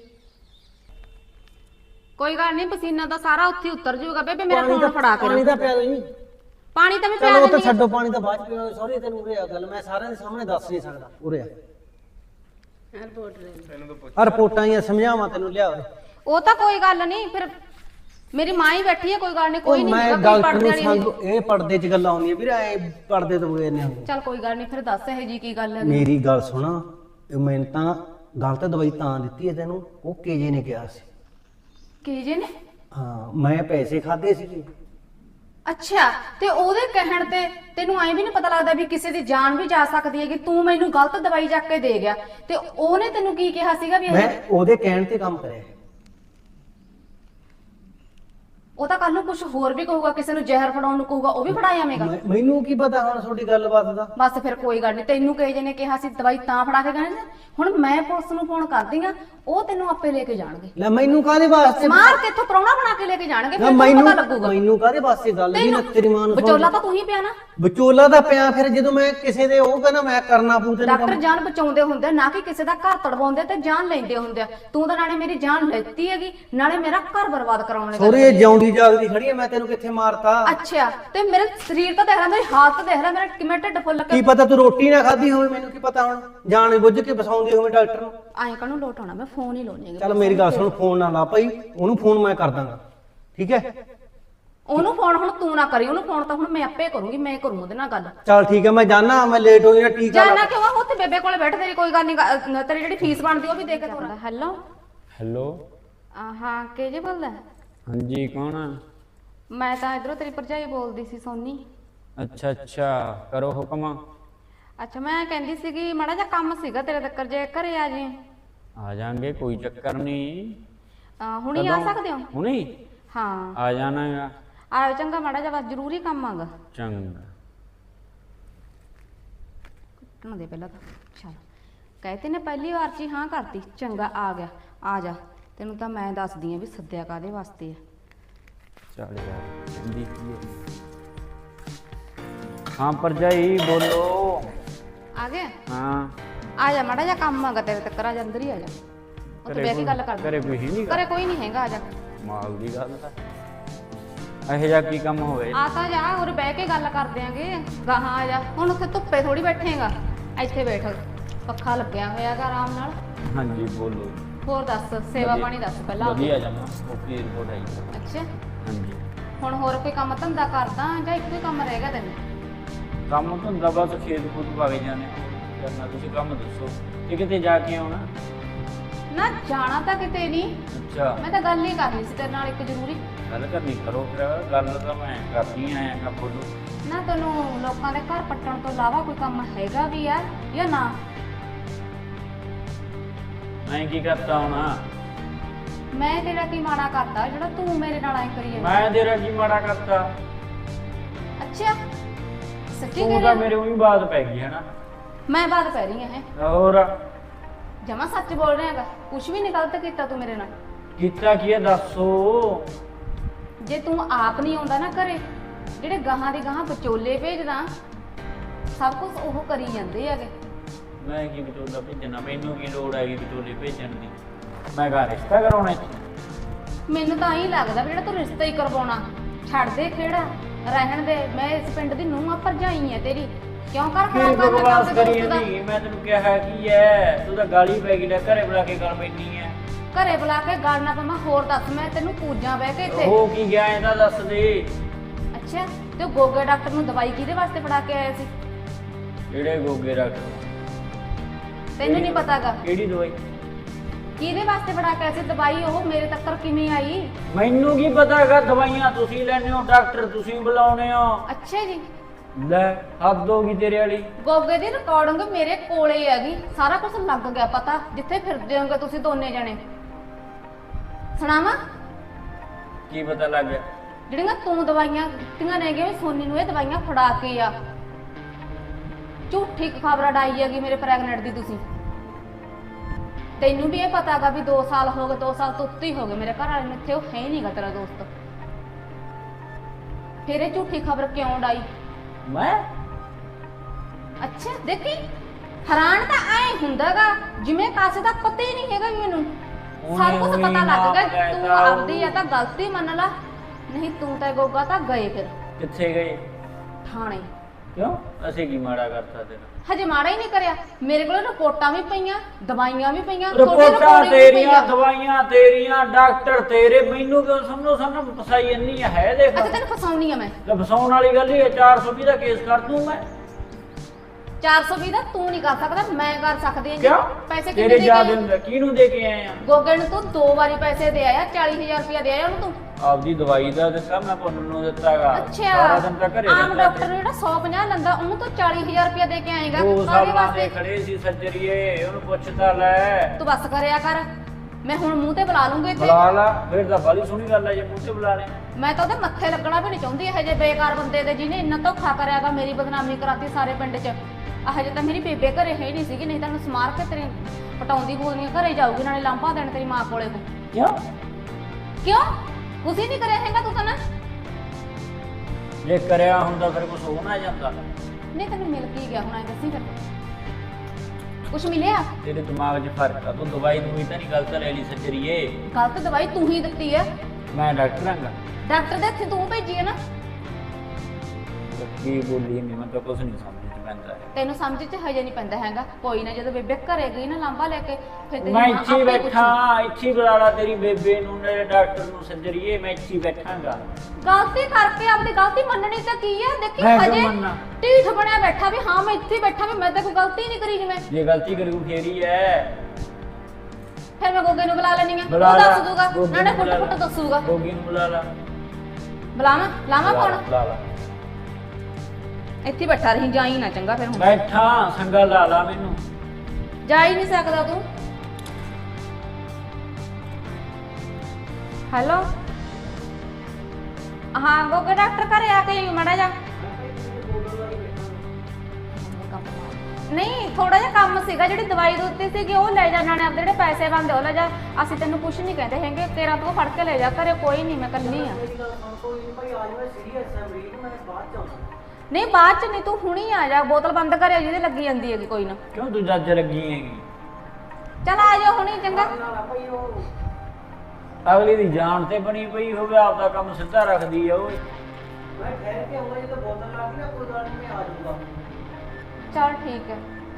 B: ਕੋਈ ਗੱਲ ਨਹੀਂ, ਪਸੀਨਾ ਤਾਂ ਸਾਰਾ ਉੱਥੇ ਹੀ ਉਤਰ ਜਾਊਗਾ। ਬੇਬੇ ਮੇਰਾ
D: ਪਾਣੀ
B: ਫੋਨ
D: ਤਾਂ
B: ਫੜਾ ਕੇ
D: ਪਾਣੀ
B: ਰੱਖ।
D: ਤਾਂ ਪਿਆ ਦੋ ਜੀ।
B: ਪਾਣੀ ਤਾਂ ਮੈਂ ਪਿਆ
D: ਚਲੋ ਉਹ ਤਾਂ
B: ਦਿੰਦੀ ਹਾਂ।
D: ਛੱਡੋ, ਪਾਣੀ ਤਾਂ ਬਾਅਦ ਚ ਪੀਓ। ਸੌਰੀ ਤੈਨੂੰ ਉਰੇ ਆ ਗੱਲ, ਮੈਂ ਸਾਰਿਆਂ ਦੇ ਸਾਹਮਣੇ ਦੱਸ ਨਹੀਂ ਸਕਦਾ। ਉਰੇ ਆ
C: ਰਿਪੋਰਟ ਲੈ
A: ਤੈਨੂੰ ਤਾਂ ਪੁੱਛ
D: ਆ ਰਿਪੋਰਟਾਂ ਹੀ ਸਮਝਾਵਾਂ ਤੈਨੂੰ, ਲਿਆ ਉਰੇ।
B: ਉਹ ਤਾਂ ਕੋਈ ਗੱਲ ਨਹੀਂ, ਫਿਰ ਮੇਰੀ ਮਾਂ ਹੀ ਬੈਠੀ ਹੈ, ਕੋਈ ਗੱਲ ਨਹੀਂ, ਕੋਈ
D: ਉਹ
B: ਨਹੀਂ
D: ਮੈਂ
B: ਹੈਗਾ ਕੋਈ
D: ਡਾਕਟਰ
B: ਪੜਦੇ
D: ਨੂੰ
B: ਵਾਲੀ
D: ਸੰਗ ਇਹ ਪਰਦੇ 'ਚ ਗੱਲਾਂ ਆਉਂਦੀਆਂ ਵੀਰ, ਐ ਪਰਦੇ ਤੋਂ ਬਗੈਰ ਨਹੀਂ ਹੁੰਦੀ।
B: ਚੱਲ ਕੋਈ ਗੱਲ ਨਹੀਂ, ਫਿਰ ਦੱਸ ਇਹ ਜੀ ਕੀ ਗੱਲ ਹੈ?
D: ਮੇਰੀ ਗੱਲ ਸੁਣਾ, ਇਹ ਮੈਨੂੰ ਤਾਂ ਗਲਤ ਦਵਾਈ ਤਾਂ ਦਿੱਤੀ ਹੈ ਤੈਨੂੰ, ਉਹ ਕੇਜੇ ਨੇ ਕਿਹਾ ਸੀ।
B: ਕੀ ਜੇ ਨੇ?
D: ਹਾਂ ਮੈਂ ਪੈਸੇ ਖਾਦੇ ਸੀਗੇ।
B: ਅੱਛਾ, ਤੇ ਉਹਦੇ ਕਹਿਣ ਤੇ ਤੈਨੂੰ ਐਂ ਵੀ ਨਹੀਂ ਪਤਾ ਲੱਗਦਾ ਵੀ ਕਿਸੇ ਦੀ ਜਾਨ ਵੀ ਜਾ ਸਕਦੀ ਹੈ ਕਿ ਤੂੰ ਮੈਨੂੰ ਗਲਤ ਦਵਾਈ ਚੱਕ ਕੇ ਦੇ ਗਿਆ, ਤੇ ਉਹਨੇ ਤੈਨੂੰ ਕੀ ਕਿਹਾ ਸੀਗਾ ਵੀ ਇਹ-
D: ਮੈਂ ਉਹਦੇ ਕਹਿਣ ਤੇ ਕੰਮ ਕਰਿਆ।
B: ਉਹ ਤਾਂ ਕੱਲ ਨੂੰ ਕੁਝ ਹੋਰ ਵੀ ਕਹੂਗਾ, ਕਿਸੇ ਨੂੰ ਜ਼ਹਿਰ ਫੜਾਉਣ ਨੂੰ ਕਹੂਗਾ, ਉਹ ਵੀ ਫੜਾ ਜਾਵੇਂਗਾ।
D: ਮੈਂ- ਮੈਨੂੰ ਕੀ ਪਤਾ ਹੁਣ ਤੁਹਾਡੀ ਗੱਲਬਾਤ ਦਾ।
B: ਬਸ ਫਿਰ ਕੋਈ ਗੱਲ ਨਹੀਂ, ਤੈਨੂੰ ਕਹੇ ਜੇ ਨੇ ਕਿਹਾ ਸੀ ਦਵਾਈ ਤਾਂ ਫੜਾ ਕੇ ਗਏ ਨੇ, ਹੁਣ ਮੈਂ ਪੁਲਿਸ ਨੂੰ ਫੋਨ ਕਰਦੀ ਆ, ਉਹ ਤੈਨੂੰ ਆਪੇ ਲੈ ਕੇ ਜਾਣਗੇ।
D: ਲੈ ਮੈਨੂੰ ਕਾਹਦੇ ਵਾਸਤੇ
B: ਮਾਰ ਕੇ ਇੱਥੋਂ ਪਰੌਣਾ ਬਣਾ ਕੇ ਲੈ ਕੇ ਜਾਣਗੇ, ਫਿਰ
D: ਨਾ
B: ਤੈਨੂੰ
D: ਮੈਨੂੰ
B: ਪਤਾ ਲੱਗੂਗਾ।
D: ਮੈਨੂੰ ਕਾਹਦੇ ਵਾਸਤੇ ਗੱਲ ਵੀ ਨਾ ਤੇਰੀ ਮਾਂ ਨੂੰ
B: ਵਿਚੋਲਾ ਤਾਂ ਤੂੰ ਹੀ ਪਿਆ ਨਾ।
D: ਵਿਚੋਲਾ ਦਾ ਪਿਆ, ਫਿਰ ਜਦੋਂ ਮੈਂ ਕਿਸੇ ਦੇ ਉਹ ਕਹਿੰਦਾ ਮੈਂ ਕਰਨਾ ਪੂ ਤੈਨੂੰ
B: ਡਾਕਟਰ ਜਾਨ ਬਚਾਉਂਦੇ ਹੁੰਦੇ ਆ, ਨਾ ਕਿ ਕਿਸੇ ਦਾ ਘਰ ਤੜਵਾਉਂਦੇ ਤੇ ਜਾਨ ਲੈਂਦੇ ਹੁੰਦੇ ਆ। ਤੂੰ ਤਾਂ ਨਾਲੇ ਮੇਰੀ ਜਾਨ ਲੈਤੀ ਹੈਗੀ, ਨਾਲੇ ਮੇਰਾ ਘਰ ਬਰਬਾਦ ਕਰਾਉਣ ਲੱਗਾ।
D: ਸੋਰੀ ਇਹ ਜਿਉਂਦੀ ਜਾਗਦੀ ਖੜੀ ਹੈ, ਮੈਂ ਤੈਨੂੰ ਕਿੱਥੇ ਮਾਰਤਾ?
B: ਅੱਛਾ, ਤੇ ਮੇਰੇ ਸਰੀਰ ਤਾਂ ਦੇਖ ਲੈ, ਮੇਰੀ ਹਾਲਤ ਦੇਖ ਲੈ, ਮੇਰਾ ਕਿਵੇਂ ਢਿੱਡ ਫੁੱਲ
D: ਕੀ
B: ਕੇ
D: ਪਤਾ ਤੂੰ ਰੋਟੀ ਨਾ ਖਾਧੀ ਹੋਵੇ, ਮੈਨੂੰ ਕੀ ਪਤਾ ਹੁਣ ਜਾਣ ਬੁੱਝ ਕੇ ਫਸਾਉਂਦੀ ਹੋਵੇ ਡਾਕਟਰ ਨੂੰ।
B: ਐਂ ਕਾਹਨੂੰ ਲੋਟ ਆਉਣਾ, ਮੈਂ ਫੋਨ ਹੀ ਲਾਉਣੀ ਹੈਗੀ।
D: ਚੱਲ ਮੇਰੀ ਗੱਲ ਸੁਣ, ਫੋਨ ਨਾ ਲਾ ਭਾਈ, ਉਹਨੂੰ ਫੋਨ ਮੈਂ ਕਰ ਦਾਂਗਾ, ਠੀਕ ਹੈ?
B: ਉਹਨੂੰ ਫੋਨ ਹੁਣ ਤੂੰ ਨਾ ਕਰੀ, ਉਹਨੂੰ ਫੋਨ ਤਾਂ ਹੁਣ ਮੈਂ ਆਪੇ ਕਰੂੰਗੀ, ਮੈਂ ਕਰੂੰ ਉਹਦੇ ਨਾਲ ਗੱਲ।
D: ਚੱਲ ਠੀਕ ਹੈ, ਮੈਂ ਜਾਣਾ, ਮੈਂ ਲੇਟ ਹੋ ਜਾਣਾ। ਟੀਕਾ
B: ਜਾਨਾ
D: ਲਾ।
B: ਕਿਉਂ ਆ, ਉੱਥੇ ਬੇਬੇ ਕੋਲੇ ਬੈਠ, ਤੇਰੀ ਕੋਈ ਗੱਲ ਨਹੀਂ, ਤੇਰੀ ਜਿਹੜੀ ਫੀਸ ਬਣਦੀ ਉਹ ਵੀ ਦੇ ਕੇ ਤੋਰਾ। ਹੈਲੋ
E: ਹੈਲੋ,
B: ਹਾਂ, ਕੇ ਜੀ ਬੋਲਦਾ?
E: ਹਾਂਜੀ ਕੌਣ ਆ?
B: ਮੈਂ ਤਾਂ ਇਧਰੋਂ ਤੇਰੀ ਭਰਜਾਈ ਬੋਲਦੀ ਸੀ, ਸੋਨੀ।
E: ਅੱਛਾ ਅੱਛਾ, ਕਰੋ ਹੁਕਮ।
B: ਅੱਛਾ, ਮੈਂ ਕਹਿੰਦੀ ਸੀਗੀ ਮਾੜਾ ਜਿਹਾ ਕੰਮ ਸੀਗਾ ਤੇਰੇ ਤੱਕ, ਜੇ ਘਰੇ ਆ ਜੇ।
E: ਆ ਜਾਾਂਗੇ, ਕੋਈ ਚੱਕਰ ਨਹੀਂ।
B: ਅਹ ਹੁਣੀ ਆ ਸਕਦੇ ਹੋ?
E: ਹੁਣੀ
B: ਹਾਂ
E: ਆ ਜਾਣਾਗਾ।
B: ਆਇਓ, ਚੰਗਾ, ਮਾੜਾ ਜਿਹਾ ਬਸ ਜ਼ਰੂਰੀ ਕੰਮ ਆਗਾ।
E: ਚੰਗਾ।
B: ਕੱਟਣ ਦੇ ਪਹਿਲਾਂ ਤਾਂ, ਚਲ ਕਹਤੇ ਨੇ ਪਹਿਲੀ ਵਾਰ ਚ ਹੀ ਹਾਂ ਕਰਤੀ। ਚੰਗਾ ਆ ਗਿਆ, ਆ ਜਾ, ਤੈਨੂੰ ਤਾਂ ਮੈਂ ਦੱਸਦੀ ਆ ਵੀ ਸੱਦਿਆ ਕਾਦੇ ਵਾਸਤੇ ਆ।
E: ਚੱਲ ਯਾਰ, ਕਹਿੰਦੀ ਕੀ ਹੈ? ਹਾਂ ਭਰਜਾਈ ਬੋਲੋ।
B: ਆ ਆ ਗਿਆ
E: ਹਾਂ
B: ਆ ਜਾ ਮਾੜਾ ਜਿਹਾ ਕੰਮ ਆਗਾ ਤੇਰੇ ਤੱਕ ਆ ਜਾ ਅੰਦਰ ਹੀ ਆ ਜਾ ਉੱਥੇ ਬਹਿ ਕੇ ਗੱਲ ਕਰ
E: ਘਰੇ ਕੋਈ ਨਹੀਂ
B: ਘਰੇ ਕੋਈ ਨਹੀਂ ਹੈਗਾ ਆ ਜਾ
E: ਮਾਲ ਦੀ ਗੱਲ ਤਾਂ ਇਹੋ ਜਿਹਾ ਕੀ ਕੰਮ ਹੋਵੇ
B: ਆ ਤਾਂ ਜਾ ਉਰੇ ਬਹਿ ਕੇ ਗੱਲ ਕਰ ਦਿਆਂਗੇ ਗਾਹਾਂ ਆ ਜਾ ਹੁਣ ਉੱਥੇ ਧੁੱਪੇ ਥੋੜੀ ਬੈਠੇਗਾ ਇੱਥੇ ਬੈਠ ਪੱਖਾ ਲੱਗਿਆ ਹੋਇਆਗਾ ਆਰਾਮ ਨਾਲ
E: ਹਾਂਜੀ ਬੋਲੋ
B: ਹੋਰ ਦੱਸ ਸੇਵਾ ਪਾਣੀ ਦੱਸ ਪਹਿਲਾਂ
E: ਵਧੀਆ ਜਮਾ ਓਕੇ ਰਿਪੋਰਟ ਆਈ
B: ਅੱਛਾ
E: ਹਾਂਜੀ
B: ਹੁਣ ਹੋਰ ਕੋਈ ਕੰਮ ਧੰਦਾ ਕਰਦਾ ਜਾਂ ਇੱਕੋ ਹੀ ਕੰਮ ਰਹੇਗਾ ਤੈਨੂੰ
E: ਕੰਮ ਧੰਦਾ ਬਸ ਖੇਤ ਖੂਤ ਪਾ ਕੇ ਜਾਣੇ ਕਰਨਾ ਤੁਸੀਂ ਕੰਮ ਦੱਸੋ ਕਿ ਕਿਤੇ ਜਾ ਕੇ ਆਉਣਾ
B: ਨਾ ਜਾਣਾ ਤਾਂ ਕਿਤੇ ਨਹੀਂ
E: ਅੱਛਾ
B: ਮੈਂ ਤਾਂ ਗੱਲ ਹੀ ਕਰਨੀ ਸੀ ਤੇਰੇ ਨਾਲ ਇੱਕ ਜ਼ਰੂਰੀ
E: ਗੱਲ ਕਰਨੀ ਕਰੋ ਫਿਰ ਗੱਲ ਤਾਂ ਮੈਂ ਕਰਨੀ ਆਇਆ ਕਾ ਬੋਲੋ
B: ਨਾ ਤੈਨੂੰ ਲੋਕਾਂ ਦੇ ਘਰ ਪੱਟਣ ਤੋਂ ਇਲਾਵਾ ਕੋਈ ਕੰਮ ਹੈਗਾ ਵੀ ਆ ਜਾਂ ਨਾ
E: ਮੈਂ ਕੀ ਕਰਤਾ ਹੋਣਾ
B: ਮੈਂ ਤੇਰਾ ਕੀ ਮਾੜਾ ਕਰਤਾ ਜਿਹੜਾ ਤੂੰ ਮੇਰੇ ਨਾਲ ਐ ਕਰੀ ਜਾਂਦਾ
E: ਮੈਂ ਤੇਰਾ ਕੀ ਮਾੜਾ ਕਰਤਾ
B: ਅੱਛਾ ਸੱਚੀ
E: ਤੂੰ
B: ਕਹਿ
E: ਤਾਂ
B: ਰਹੀ
E: ਮੇਰੇ ਉਹੀ ਬਾਤ ਪੈ ਗਈ ਹੈ ਨਾ
B: ਮੈਂ ਬਾਤ ਕਰ ਰਹੀ ਹਾਂ ਹੈ
E: ਹੋਰ
B: ਜਮਾ ਸੱਚ ਬੋਲ ਰਿਹਾ ਹੈਗਾ ਕੁਝ ਵੀ ਨਹੀਂ ਗਲਤ ਕੀਤਾ ਤੂੰ ਮੇਰੇ ਨਾਲ
E: ਕੀਤਾ ਕੀ ਹੈ ਦੱਸੋ
B: ਜੇ ਤੂੰ ਆਪ ਨਹੀਂ ਆਉਂਦਾ ਨਾ ਘਰੇ ਜਿਹੜੇ ਗਾਹਾਂ ਦੇ ਗਾਹਾਂ ਵਿਚੋਲੇ ਭੇਜਦਾ ਸਭ ਕੁਝ ਉਹ ਕਰੀ ਜਾਂਦੇ ਹੈਗੇ
E: ਮੈਂ ਕੀ ਵਿਚੋਲਾ ਭੇਜਣਾ ਮੈਨੂੰ ਕੀ ਲੋੜ ਹੈਗੀ ਵਿਚੋਲੇ ਭੇਜਣ ਦੀ ਮੈਂ ਘਰ ਰਿਸ਼ਤਾ ਕਰਾਉਣਾ ਇੱਥੇ
B: ਮੈਨੂੰ ਤਾਂ ਹੀ ਲੱਗਦਾ ਵੀ ਜਿਹੜਾ ਤੂੰ ਰਿਸ਼ਤਾ ਹੀ ਕਰਵਾਉਣਾ ਛੱਡ ਦੇ ਖੇੜਾ ਰਹਿਣ ਦੇ ਮੈਂ ਇਸ ਪਿੰਡ ਦੀ ਨੂੰਹ ਆ ਭਰਜਾਈ ਆ ਤੇਰੀ ਕਿਉਂ ਕਰ
E: ਕੀ
B: ਖਰਾਬ ਕਰਨਾ
E: ਬਕਵਾਸ
B: ਕੰਮ
E: ਕਰੀ
B: ਤੇ ਦੋਸਤ ਦਾ?
E: ਜਾਂਦੀ ਮੈਂ ਤੈਨੂੰ ਕਿਹਾ ਕੀ ਹੈ ਤੂੰ ਤਾਂ ਗਾਲੀ ਪੈ ਗਈ ਲੈ ਘਰੇ ਬੁਲਾ ਕੇ ਗੱਲ ਪੈਣੀ ਹੈ
B: ਘਰੇ ਬੁਲਾ ਕੇ ਗੱਲ ਨਾ ਪਵਾਂ ਹੋਰ ਦੱਸ ਮੈਂ ਤੈਨੂੰ ਪੂਜਾਂ ਬਹਿ ਕੇ ਇੱਥੇ
E: ਹੋ ਕੀ ਗਿਆ ਇਹਦਾ ਦੱਸ ਦੇ
B: ਅੱਛਾ ਤੇ ਉਹ ਗੋਗੇ ਡਾਕਟਰ ਨੂੰ ਦਵਾਈ ਕਿਹਦੇ ਵਾਸਤੇ ਫੜਾ ਕੇ ਆਇਆ ਸੀ
E: ਜਿਹੜੇ ਗੋਗੇ ਰੱਖ
B: ਤੈਨੂੰ ਨਹੀਂ ਪਤਾਗਾ
E: ਕਿਹੜੀ ਦਵਾਈ
B: ਕਿਹਦੇ ਵਾਸਤੇ ਫੜਾ ਕੇ ਆਇਆ ਸੀ ਦਵਾਈ ਉਹ ਮੇਰੇ ਤੱਕ ਕਿਵੇਂ ਆਈ
E: ਮੈਨੂੰ ਕੀ ਪਤਾਗਾ ਦਵਾਈਆਂ ਤੁਸੀਂ ਲੈਣੇ ਹੋ ਡਾਕਟਰ ਤੁਸੀਂ ਬੁਲਾਉਣੇ ਹੋ
B: ਅੱਛਾ ਜੀ
E: ਲੈ ਹੱਦ ਹੋ ਗਈ ਤੇਰੇ ਵਾਲੀ
B: ਗੋਗੇ ਦੀ ਰਿਕਾਰਡਿੰਗ ਮੇਰੇ ਕੋਲੇ ਹੈਗੀ ਸਾਰਾ ਕੁਝ ਲੱਗ ਗਿਆ ਪਤਾ ਜਿੱਥੇ ਫਿਰਦੇ ਹੋਗੇ ਤੁਸੀਂ ਦੋਨੇ ਜਣੇ ਸੁਣਾਵਾ
E: ਕੀ ਪਤਾ ਲੱਗ ਗਿਆ
B: ਜਿਹੜੀਆਂ ਤੂੰ ਦਵਾਈਆਂ ਦਿੱਤੀਆਂ ਨੇਗੇ ਵੀ ਸੋਨੀ ਨੂੰ ਇਹ ਦਵਾਈਆਂ ਫੜਾ ਕੇ ਆ ਝੂਠੀ ਖਬਰ ਡਾਈ ਹੈਗੀ ਮੇਰੇ ਪ੍ਰੈਗਨੈਂਟ ਦੀ ਤੁਸੀਂ ਤੈਨੂੰ ਵੀ ਇਹ ਪਤਾਗਾ ਵੀ ਦੋ ਸਾਲ ਹੋ ਗਏ ਦੋ ਸਾਲ ਤੋਂ ਉੱਤੇ ਹੀ ਹੋ ਗਏ ਮੇਰੇ ਘਰ ਵਾਲੇ ਨੂੰ ਇੱਥੇ ਉਹ ਹੈ ਨਹੀਂਗਾ ਤੇਰਾ ਦੋਸਤ ਫਿਰ ਇਹ ਝੂਠੀ ਖਬਰ ਕਿਉਂ ਡਾਈ
E: ਮੈਂ
B: ਅੱਛਾ ਦੇਖੀ ਹੈਰਾਨ ਤਾਂ ਐ ਹੁੰਦਾਗਾ ਜਿਵੇਂ ਕਾਸੇ ਦਾ ਪਤਾ ਹੀ ਨਹੀਂ ਹੈਗਾ ਵੀ ਮੈਨੂੰ ਸਭ ਕੁਝ ਪਤਾ ਲੱਗ ਗਿਆ ਤੂੰ ਆਪਦੀ ਆ ਤਾਂ ਗਲਤੀ ਮੰਨ ਲਾ ਨਹੀਂ ਤੂੰ ਤਾਂ ਗੋਗਾ ਤਾਂ ਗਏ ਫਿਰ
E: ਕਿੱਥੇ ਗਏ
B: ਥਾਣੇ
E: ਕਿਉਂ ਅਸੀਂ ਕੀ ਮਾੜਾ ਕਰਤਾ ਤੇਰਾ
B: ਹਜੇ ਮਾੜਾ ਹੀ ਨਹੀਂ ਕਰਿਆ ਮੇਰੇ ਕੋਲ ਰਿਪੋਰਟਾਂ ਵੀ ਪਈਆਂ ਦਵਾਈਆਂ ਵੀ ਪਈਆਂ ਤੁਹਾਡੀ
E: ਰਿਪੋਰਟਾਂ
B: recording ਵੀ
E: ਤੇਰੀਆਂ
B: ਪਈ ਆ।
E: ਦਵਾਈਆਂ ਤੇਰੀਆਂ ਡਾਕਟਰ ਤੇਰੇ ਮੈਨੂੰ ਕਿਉਂ ਸਮਝੋ ਸਾਨੂੰ ਫਸਾਈ ਇੰਨੀ ਹੈ ਦੇਖ
B: ਅੱਛਾ ਤੈਨੂੰ ਫਸਾਉਣੀ ਆ ਮੈਂ
E: ਤੇ ਫਸਾਉਣ ਵਾਲੀ ਗੱਲ ਹੀ ਹੈ ਚਾਰ ਸੌ ਵੀਹ ਦਾ ਕੇਸ ਕਰ ਦੂੰ ਮੈਂ
B: ਚਾਰ ਸੌ ਵੀਹ ਦਾ ਤੂੰ ਨਹੀਂ ਕਰ ਸਕਦਾ ਮੈਂ ਕਰ ਸਕਦੀ ਹਾਂ ਜੀ।
E: ਕਿਉਂ
B: ਪੈਸੇ ਕਿੰਨੇ
E: ਤੇਰੇ
B: ਦੇ
E: ਯਾਦ
B: ਕੇ ਆਇਆ?
E: ਹੁੰਦਾ ਕਿਹਨੂੰ ਦੇ ਕੇ ਆਏ ਆ
B: ਗੋਗੇ ਨੂੰ ਤੂੰ ਦੋ ਵਾਰੀ ਪੈਸੇ ਦੇ ਆਇਆ ਚਾਲੀ ਹਜ਼ਾਰ ਰੁਪਇਆ ਦੇ ਆਇਆ ਉਹਨੂੰ ਤੂੰ
E: ਆਪਦੀ ਦਵਾਈ ਦਾ ਦਿੱਤਾ ਮੈਂ ਪੁੰਨ ਨੂੰ ਦਿੱਤਾਗਾ
B: ਅੱਛਾ
E: ਸਾਰਾ ਦਿਨ ਤਾਂ ਘਰੇ
B: ਆਮ
E: ਰਹਿੰਦਾ
B: ਡਾਕਟਰ ਨੂੰ ਜਿਹੜਾ ਸੌ ਪੰਜਾਹ ਲੈਂਦਾ ਉਹਨੂੰ ਤੂੰ ਚਾਲੀ ਹਜ਼ਾਰ ਰੁਪਇਆ ਦੇ ਕੇ ਆਏਗਾ
E: ਉਹ
B: ਉਹਦੇ
E: ਸਾਹਮਣੇ
B: ਵਾਸਤੇ
E: ਖੜੇ ਸੀ ਸੱਜਰੀਏ ਉਹਨੂੰ ਪੁੱਛਦਾ ਲੈ
B: ਤੂੰ ਬਸ ਕਰਿਆ ਕਰ ਮੈਂ ਹੁਣ ਮੂੰਹ ਤੇ ਬੁਲਾ ਲੂੰਗੀ ਇੱਥੇ
E: ਬੁਲਾ ਲਾ ਫਿਰ ਤਾਂ ਬੜੀ ਸੋਹਣੀ ਗੱਲ ਹੈ ਜੇ ਮੂੰਹ ਤੇ ਬੁਲਾ ਲੈ
B: ਮੈਂ ਤਾਂ ਉਹਦੇ ਮੱਥੇ ਲੱਗਣਾ ਵੀ ਨਹੀਂ ਚਾਹੁੰਦੀ ਇਹੋ ਜਿਹੇ ਬੇਕਾਰ ਬੰਦੇ ਦੇ ਜਿਹਨੇ ਇੰਨਾ ਧੋਖਾ ਕਰਿਆਗਾ ਮੇਰੀ ਬਦਨਾਮੀ ਕਰਾਤੀ ਸਾਰੇ ਪਿੰਡ 'ਚ ਇਹੋ ਜਿਹੇ ਤਾਂ ਮੇਰੀ ਬੇਬੇ ਘਰੇ ਹੈ ਹੀ ਨਹੀਂ ਸੀਗੀ ਨਹੀਂ ਤਾਂ ਉਹਨੂੰ ਸਮਾਰ ਕੇ ਤੇਰੀ ਪਟਾਉਂਦੀ ਬੋਲਦੀਆਂ ਘਰੇ ਜਾਊਗੀ ਨਾਲੇ ਲਾਂਭਾ ਦੇਣ ਤੇਰੀ ਮਾਂ ਕੋਲੇ ਤੂੰ
E: ਕਿਉਂ
B: ਕਿਉਂ ਕੁਝ ਨਹੀਂ ਕਰਿਆ ਹੈਗਾ ਤੂੰ ਤਾਂ ਨਾ
E: ਜੇ ਕਰਿਆ ਹੁੰਦਾ ਫਿਰ ਕੁਝ ਹੋ ਨਾ ਜਾਂਦਾ
B: ਨਹੀਂ ਤੈਨੂੰ ਮਿਲ ਕੀ ਗਿਆ ਹੁਣ ਐ ਦੱਸੀ ਫਿਰ ਕੁਝ ਮਿਲਿਆ
E: ਤੇਰੇ ਦਿਮਾਗ 'ਚ ਫਰਕ ਆ ਤੂੰ ਦਵਾਈ ਦੂਈ ਤਾਂ ਨਹੀਂ ਗਲਤ ਲੈ ਲਈ ਸੱਜਰੀਏ
B: ਗਲਤ ਦਵਾਈ ਤੂੰ ਹੀ ਦਿੱਤੀ ਹੈ
E: ਮੈਂ ਡਾਕਟਰ ਹਾਂਗਾ
B: ਡਾਕਟਰ ਦੇ ਹੱਥ ਤੂੰ ਭੇਜੀ ਹੈ ਨਾ
E: ਕੀ ਬੋਲੀ ਨਹੀਂ ਮੈਂ ਤਾਂ ਕੁਝ ਨਹੀਂ ਸਮਝ ਚ ਪੈਂਦਾ
B: ਤੈਨੂੰ ਸਮਝ 'ਚ ਹਜੇ ਨਹੀਂ ਪੈਂਦਾ ਹੈਗਾ ਕੋਈ ਨਾ ਜਦੋਂ ਬੇਬੇ ਘਰੇ ਗਈ ਨਾ ਲਾਂਭਾ ਲੈ ਕੇ ਫਿਰ ਤੇਰੀ
E: ਮੈਂ
B: ਮਾਂ
E: ਇੱਥੇ ਹੀ
B: ਆਪੇ
E: ਬੈਠਾ ਇੱਥੇ ਹੀ ਬੁਲਾ ਲਾ ਤੇਰੀ ਬੇਬੇ ਨੂੰ ਮੇਰੇ ਡਾਕਟਰ ਨੂੰ ਸੱਜਰੀਏ ਮੈਂ ਇੱਥੇ ਹੀ ਬੈਠਾਂਗਾ
B: ਪੁੱਛੂ। ਗਲਤੀ ਕਰਕੇ ਆਪਣੀ ਗਲਤੀ ਮੰਨਣੀ ਤਾਂ ਕੀ ਹੈ ਦੇਖੀ
E: ਮੈਂ ਕਿਉਂ
B: ਹਜੇ
E: ਮੰਨਾਂ?
B: ਢੀਠ ਬਣਿਆ ਬੈਠਾ ਵੀ ਹਾਂ ਮੈਂ ਇੱਥੇ ਹੀ ਬੈਠਾ ਵੀ ਮੈਂ ਤਾਂ ਕੋਈ ਗਲਤੀ ਨਹੀਂ ਕਰੀ ਜਿਵੇਂ
E: ਜੇ ਗਲਤੀ ਕਰੂ ਫੇਰ ਹੀ ਹੈ
B: ਫਿਰ ਮੈਂ ਗੋਗੇ ਨੂੰ ਬੁਲਾ ਲੈਣੀ ਆ ਉਹ
E: ਬੁਲਾ ਲਾ
B: ਦੱਸ ਦੂਗਾ
E: ਗੋਗੀ
B: ਨਾਲੇ
E: ਨੂੰ
B: ਫੁੱਟ
E: ਬੁਲਾ
B: ਫੁੱਟ
E: ਲਾ।
B: ਦੱਸੂਗਾ
E: ਗੋਗੀ ਨੂੰ ਬੁਲਾ ਲਾ
B: ਬੁਲਾਵਾਂ ਲਾਵਾਂ
E: ਬੁਲਾ ਲਾ,
B: ਫੋਨ
E: ਬੁਲਾ ਲਾ
B: ਇੱਥੇ ਬੈਠਾ ਰਹੀ ਜਾਈ ਨਾ ਚੰਗਾ ਫਿਰ ਹੁਣ
E: ਬੈਠਾ ਸੰਗਾ ਲਾ ਲਾ ਮੈਨੂੰ
B: ਜਾ ਹੀ ਨਹੀਂ ਸਕਦਾ ਤੂੰ ਹੈਲੋ ਹਾਂ ਗੋਗੇ ਡਾਕਟਰ ਘਰੇ ਆ ਕੇ ਮੜਾ ਜਾ ਨਹੀਂ ਥੋੜਾ ਜਿਹਾ ਕੰਮ ਸੀਗਾ ਜਿਹੜੀ ਦਵਾਈ ਦਿੱਤੀ ਸੀਗੀ ਉਹ ਲੈ ਜਾ ਨਾਲੇ ਆਪਦੇ ਜਿਹੜੇ ਪੈਸੇ ਬੰਦੇ ਉਹ ਲੈ ਜਾ ਅਸੀਂ ਤੈਨੂੰ ਕੁਝ ਨਹੀਂ ਕਹਿੰਦੇ ਹੈਗੇ ਤੇਰਾ ਤੂੰ ਫੜ ਕੇ ਲੈ ਜਾ ਘਰੇ ਕੋਈ ਨਹੀਂ ਮੈਂ ਕੱਲੀ ਆ ਨਹੀਂ ਬਾਅਦ ਚ ਨਹੀਂ, ਤੂੰ ਹੁਣੀ ਆ ਜਾ, ਬੋਤਲ ਬੰਦ ਕਰਿਆ ਜਿਹਦੇ ਲੱਗੀ ਜਾਂਦੀ ਹੈਗੀ ਕੋਈ ਨਾ।
E: ਕਿਉਂ ਤੂੰ ਜੱਜ ਲੱਗੀ ਹੈਗੀ?
B: ਚੱਲ ਆ ਜਾ ਹੁਣੀ, ਚੰਗਾ।
E: ਅਗਲੀ ਦੀ ਜਾਨ ਤੇ ਬਣੀ ਪਈ ਹੋਵੇ, ਆਪਦਾ ਕੰਮ ਸਿੱਧਾ ਰੱਖਦੀ ਆ ਓਏ।
D: ਮੈਂ ਠਹਿਰ ਕੇ ਆਉਂਦਾ ਜਦੋਂ ਬੋਤਲ ਲਾ ਕੇ ਨਾ ਕੋਈ ਗੱਲ ਨਹੀਂ ਆ ਜਾਊਗਾ।
B: ਚੱਲ ਠੀਕ ਹੈ।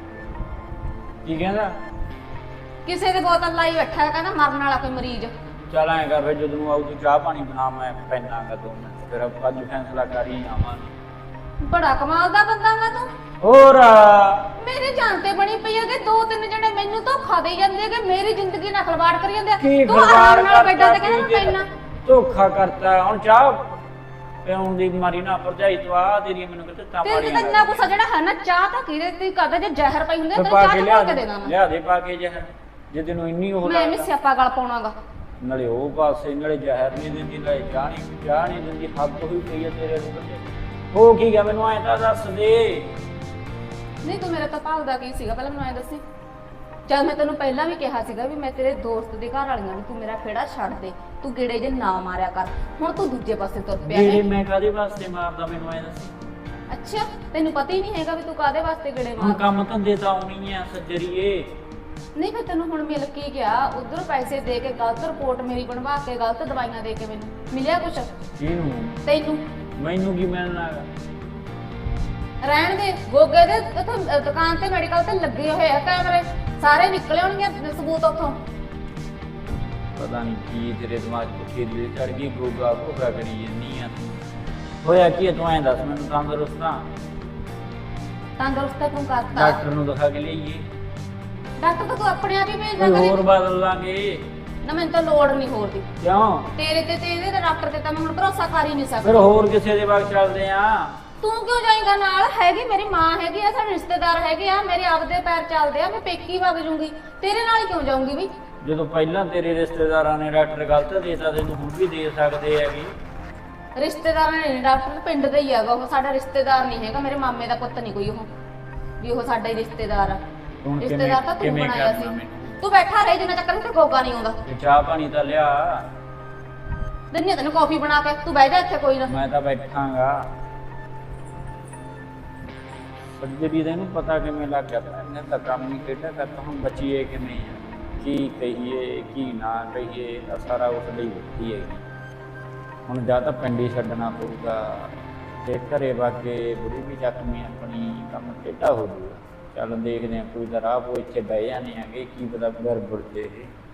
E: ਕੀ ਕਹਿੰਦਾ?
B: ਕਿਸੇ ਦੇ ਬੋਤਲ ਲਾਈ ਬੈਠਾ ਹੈ, ਕਹਿੰਦਾ ਮਰਨ ਵਾਲਾ ਕੋਈ ਮਰੀਜ਼।
E: ਚੱਲ ਐਂ ਕਰ ਫਿਰ, ਜਦੋਂ ਨੂੰ ਆਊ ਤੂੰ ਚਾਹ ਪਾਣੀ ਬਣਾ, ਮੈਂ ਪੈਨਾਂਗਾ ਦੋ ਮਿੰਟ, ਫਿਰ ਆਪਾਂ ਅੱਜ ਫੈਸਲਾ ਕਰ ਹੀ ਆਵਾਂਗੇ।
B: ਬੜਾ ਕਮਾਲ ਦਾ ਬੰਦਾ ਵਾ ਤੂੰ।
E: ਹੋਰ
B: ਮੇਰੇ ਜਾਨ ਤੇ ਬਣੀ ਪਈ ਹੈ ਕਿ ਦੋ ਤਿੰਨ ਜਣੇ ਮੈਨੂੰ ਧੋਖਾ ਦੇ ਜਾਂਦੇ ਕਿ ਮੇਰੀ ਜ਼ਿੰਦਗੀ ਨਾਲ ਖਲਵਾੜ ਕਰੀ ਜਾਂਦੇ ਆ।
E: ਕੀ
B: ਤੂੰ ਆਰਾਮ ਨਾਲ ਬੈਠਾ
E: ਕਰਤਾ
B: ਤੇ ਕਹਿੰਦਾ
E: ਕੀ
B: ਪੈਣਾ।
E: ਧੋਖਾ ਕਰਤਾ। ਹੁਣ ਚਾਹ ਪਿਆਉਣ ਦੀ ਮਾਰੀ ਨਾ ਭਰਜਾਈ ਤੂੰ ਆ ਤੇਰੀ ਮੈਨੂੰ ਕਿਤੇ ਤਾਂ
B: ਤੇਰੇ
E: ਮਾਰੀਆਂ
B: ਤੇ ਇੰਨਾ ਗੁੱਸਾ ਜਿਹੜਾ ਹੈ ਨਾ, ਚਾਹ ਤਾਂ ਕਿਹਦੇ ਤੇ ਕਰਦਾ, ਜੇ ਜ਼ਹਿਰ ਪਈ ਹੁੰਦੀ
E: ਤੇ
B: ਤੈਨੂੰ
E: ਪਾ
B: ਚਾਹ
E: ਕੇ
B: ਚ
E: ਲਿਆ
B: ਪਾ ਕੇ
E: ਦੇ
B: ਦੇਣਾ ਮੈਂ।
E: ਲਿਆ ਦੇ ਪਾ ਕੇ ਜ਼ਹਿਰ, ਜੇ ਤੈਨੂੰ ਇੰਨੀ ਉਹ
B: ਮੈਂ ਵੀ
E: ਲੱਗਦਾ।
B: ਸਿਆਪਾ ਗਲ ਪਾਉਣਾਗਾ।
E: ਨਾਲੇ ਉਹ ਪਾਸੇ ਨਾਲੇ ਜ਼ਹਿਰ ਨਹੀਂ ਦਿੰਦੀ, ਨਾਲੇ ਚਾਹ ਨਹੀਂ ਚਾਹ ਨਹੀਂ ਦਿੰਦੀ। ਹੱਦ ਹੋਈ ਪਈ ਹੈ ਤੇਰੇ ਨੂੰ। ਹੋ ਕੀ ਗਿਆ ਮੈਨੂੰ ਐਂ ਤਾਂ ਦੱਸ ਦੇ।
B: ਨਹੀਂ ਤੂੰ ਮੇਰੇ ਤੋਂ ਭਾਲਦਾ ਕੀ ਸੀਗਾ, ਪਹਿਲਾਂ ਮੈਨੂੰ ਐਂ ਦੱਸੀ। ਜਦ ਮੈਂ ਤੈਨੂੰ ਪਹਿਲਾਂ ਵੀ ਕਿਹਾ ਸੀਗਾ ਵੀ ਮੈਂ ਤੇਰੇ ਦੋਸਤ ਦੇ ਘਰ ਵਾਲੀਆਂ ਨੂੰ, ਤੂੰ ਮੇਰਾ ਖੇੜਾ ਛੱਡ ਦੇ, ਤੂੰ ਗੇੜੇ ਜੇ ਨਾ ਮਾਰਿਆ ਕਰ। ਹੁਣ ਤੂੰ ਦੂਜੇ ਪਾਸੇ ਤੁਰ ਪਿਆ
E: ਜਿਹੜੇ
B: ਹੈ।
E: ਮੈਂ ਕਾਦੇ ਵਾਸਤੇ ਮਾਰਦਾ ਮੈਨੂੰ ਐਂ ਦੱਸ।
B: ਅੱਛਾ ਤੈਨੂੰ ਪਤਾ ਹੀ ਨਹੀਂ ਹੈਗਾ ਵੀ ਤੂੰ ਕਾਦੇ ਵਾਸਤੇ ਗੇੜੇ
E: ਹੁਣ
B: ਮਾਰ।
E: ਕੰਮ ਧੰਦੇ ਤਾਂ ਆਉਣੀ ਆ ਸੱਜਰੀਏ।
B: ਨਹੀਂ ਮੈਂ ਤੈਨੂੰ ਹੁਣ ਮਿਲ ਕੇ ਗਿਆ, ਉਧਰ ਪੈਸੇ ਦੇ ਕੇ ਗਲਤ ਰਿਪੋਰਟ ਮੇਰੀ ਬਣਵਾ ਕੇ, ਗਲਤ ਦਵਾਈਆਂ ਦੇ ਕੇ ਮੈਨੂੰ ਮਿਲਿਆ ਕੁਛ
E: ਇਹਨੂੰ
B: ਤੈਨੂੰ?
E: ਮੈਨੂੰ ਕੀ ਮਿਲਣਾ ਹੈਗਾ?
B: ਰਹਿਣ ਦੇ, ਗੋਗੇ ਦੇ ਉੱਥੇ ਦੁਕਾਨ ਤੇ ਮੈਡੀਕਲ ਤੇ ਲੱਗੇ ਹੋਏ ਆ ਕੈਮਰੇ, ਸਾਰੇ ਨਿਕਲੇ ਹੋਣਗੇ ਸਬੂਤ ਉੱਥੋਂ।
E: ਪਤਾ ਨਹੀਂ ਕੀ ਤੇਰੇ ਦਿਮਾਗ 'ਚ ਪੁੱਠੀ ਦੀ ਚੜ ਗਈ, ਗੋਗਾ ਗੋਗਾ ਕਰੀ ਜੰਨੀ ਆ ਤੂੰ। ਹੋਇਆ ਕੀ ਹੈ ਤੂੰ ਐਂ ਦੱਸ ਮੈਨੂੰ। ਤੰਦਰੁਸਤ ਆ?
B: ਤੰਦਰੁਸਤ ਤੂੰ ਕਰਤਾ।
E: ਡਾਕਟਰ ਨੂੰ ਦਿਖਾ ਕੇ ਲਿਆਈਏ?
B: ਡਾਕਟਰ ਤਾਂ ਤੂੰ ਆਪਣੇ ਆਪ ਹੀ ਭੇਜਦਾ
E: ਕੋਈ
B: ਕਰੇ।
E: ਹੋਰ ਬਦਲ ਲਾਂਗੇ।
B: ਨਾ ਮੈਨੂੰ ਤਾਂ ਲੋੜ ਨਹੀਂ ਹੋਰ ਦੀ।
E: ਕਿਉਂ?
B: ਤੇਰੇ ਤੇ ਤੇ ਇਹਦੇ ਤੇ ਡਾਕਟਰ ਤੇ ਤਾਂ ਮੈਂ ਹੁਣ ਭਰੋਸਾ ਕਰ ਹੀ ਨਹੀਂ
E: ਫਿਰ
B: ਸਕਦੀ।
E: ਹੋਰ ਕਿਸੇ ਦੇ ਬਾਗ ਚੱਲਦੇ ਆ।
B: ਤੂੰ ਕਿਉਂ ਜਾਏਗਾ ਨਾਲ? ਹੈਗੀ ਮੇਰੀ ਮਾਂ ਹੈਗੀ ਆ, ਸਾਡੇ ਰਿਸ਼ਤੇਦਾਰ ਹੈਗੇ ਆ, ਮੇਰੇ ਆਪਦੇ ਪੈਰ ਚੱਲਦੇ ਆ, ਮੈਂ ਪੇਕੀ ਵਗ ਜੂੰਗੀ। ਤੇਰੇ ਨਾਲ ਹੀ ਕਿਉਂ ਜਾਊਂਗੀ ਵੀ?
E: ਜਦੋਂ ਪਹਿਲਾਂ ਤੇਰੇ ਰਿਸ਼ਤੇਦਾਰਾਂ ਨੇ ਡਾਕਟਰ ਗਲਤ ਦੇਤਾ, ਤੈਨੂੰ ਹੁਣ ਵੀ ਦੇ ਸਕਦੇ ਹੈਗੇ।
B: ਰਿਸ਼ਤੇਦਾਰ ਨੇ ਡਾਕਟਰ ਪਿੰਡ ਦਾ ਹੀ ਹੈਗਾ ਉਹ, ਸਾਡਾ ਰਿਸ਼ਤੇਦਾਰ ਨਹੀਂ ਹੈਗਾ, ਮੇਰੇ ਮਾਮੇ ਦਾ ਪੁੱਤ ਨਹੀਂ ਕੋਈ ਉਹ ਵੀ ਉਹ ਸਾਡਾ ਹੀ ਰਿਸ਼ਤੇਦਾਰ ਆ।
E: ਹੁਣ ਕਿਵੇਂ-
B: ਰਿਸ਼ਤੇਦਾਰ ਤਾਂ ਤੂੰ
E: ਕਿਵੇਂ
B: ਬਣਾਇਆ
E: ਕਰਨਾ
B: ਸੀ।
E: ਮੈਨੂੰ?
B: ਤੂੰ ਬੈਠਾ ਰਹਿ ਜਿੰਨਾ ਚੱਕਰ ਤੇ ਗੋਗਾ ਨਹੀਂ ਆਉਂਦਾ।
E: ਤੇ ਚਾਹ ਪਾਣੀ ਤਾਂ ਲਿਆ।
B: ਦਿੰਨੀ ਆ ਤੈਨੂੰ ਕੌਫੀ ਬਣਾ ਕੇ, ਤੂੰ ਬਹਿ ਜਾ ਇੱਥੇ ਕੋਈ ਨਾ।
E: ਮੈਂ ਤਾਂ ਬੈਠਾਂਗਾ। ਸੱਜਰੀ ਦਾ ਇਹਨੂੰ ਪਤਾ ਕਿਵੇਂ ਲੱਗ ਗਿਆ? ਇਹਨੇ ਤਾਂ ਕੰਮ ਹੀ ਕਿਹੜਾ ਕਰਤਾ। ਹੁਣ ਬਚੀਏ ਕਿਵੇਂ ਆ? ਕੀ ਕਹੀਏ ਕੀ ਨਾ ਕਹੀਏ, ਤਾਂ ਸਾਰਾ ਉਸ ਲਈ ਬੈਠੀ ਹੈਗੀ। ਹੁਣ ਜਾਂ ਤਾਂ ਪਿੰਡ ਹੀ ਛੱਡਣਾ ਪਊਗਾ, ਤੇ ਘਰੇ ਵਾਗੇ ਬੁੜੀ ਵੀ ਜ਼ਖਮੀ ਆਪਣੀ, ਕੰਮ ਟੇਢਾ ਹੋ ਜਾਊਗਾ। ਚੱਲ ਦੇਖਦੇ ਹਾਂ, ਕੋਈ ਤਾਂ ਰਾਹ ਪੋ ਇੱਥੇ ਬਹਿ ਜਾਂਦੇ ਆਂਗੇ, ਕੀ ਪਤਾ ਗੜਬੜ ਜੇ ਇਹ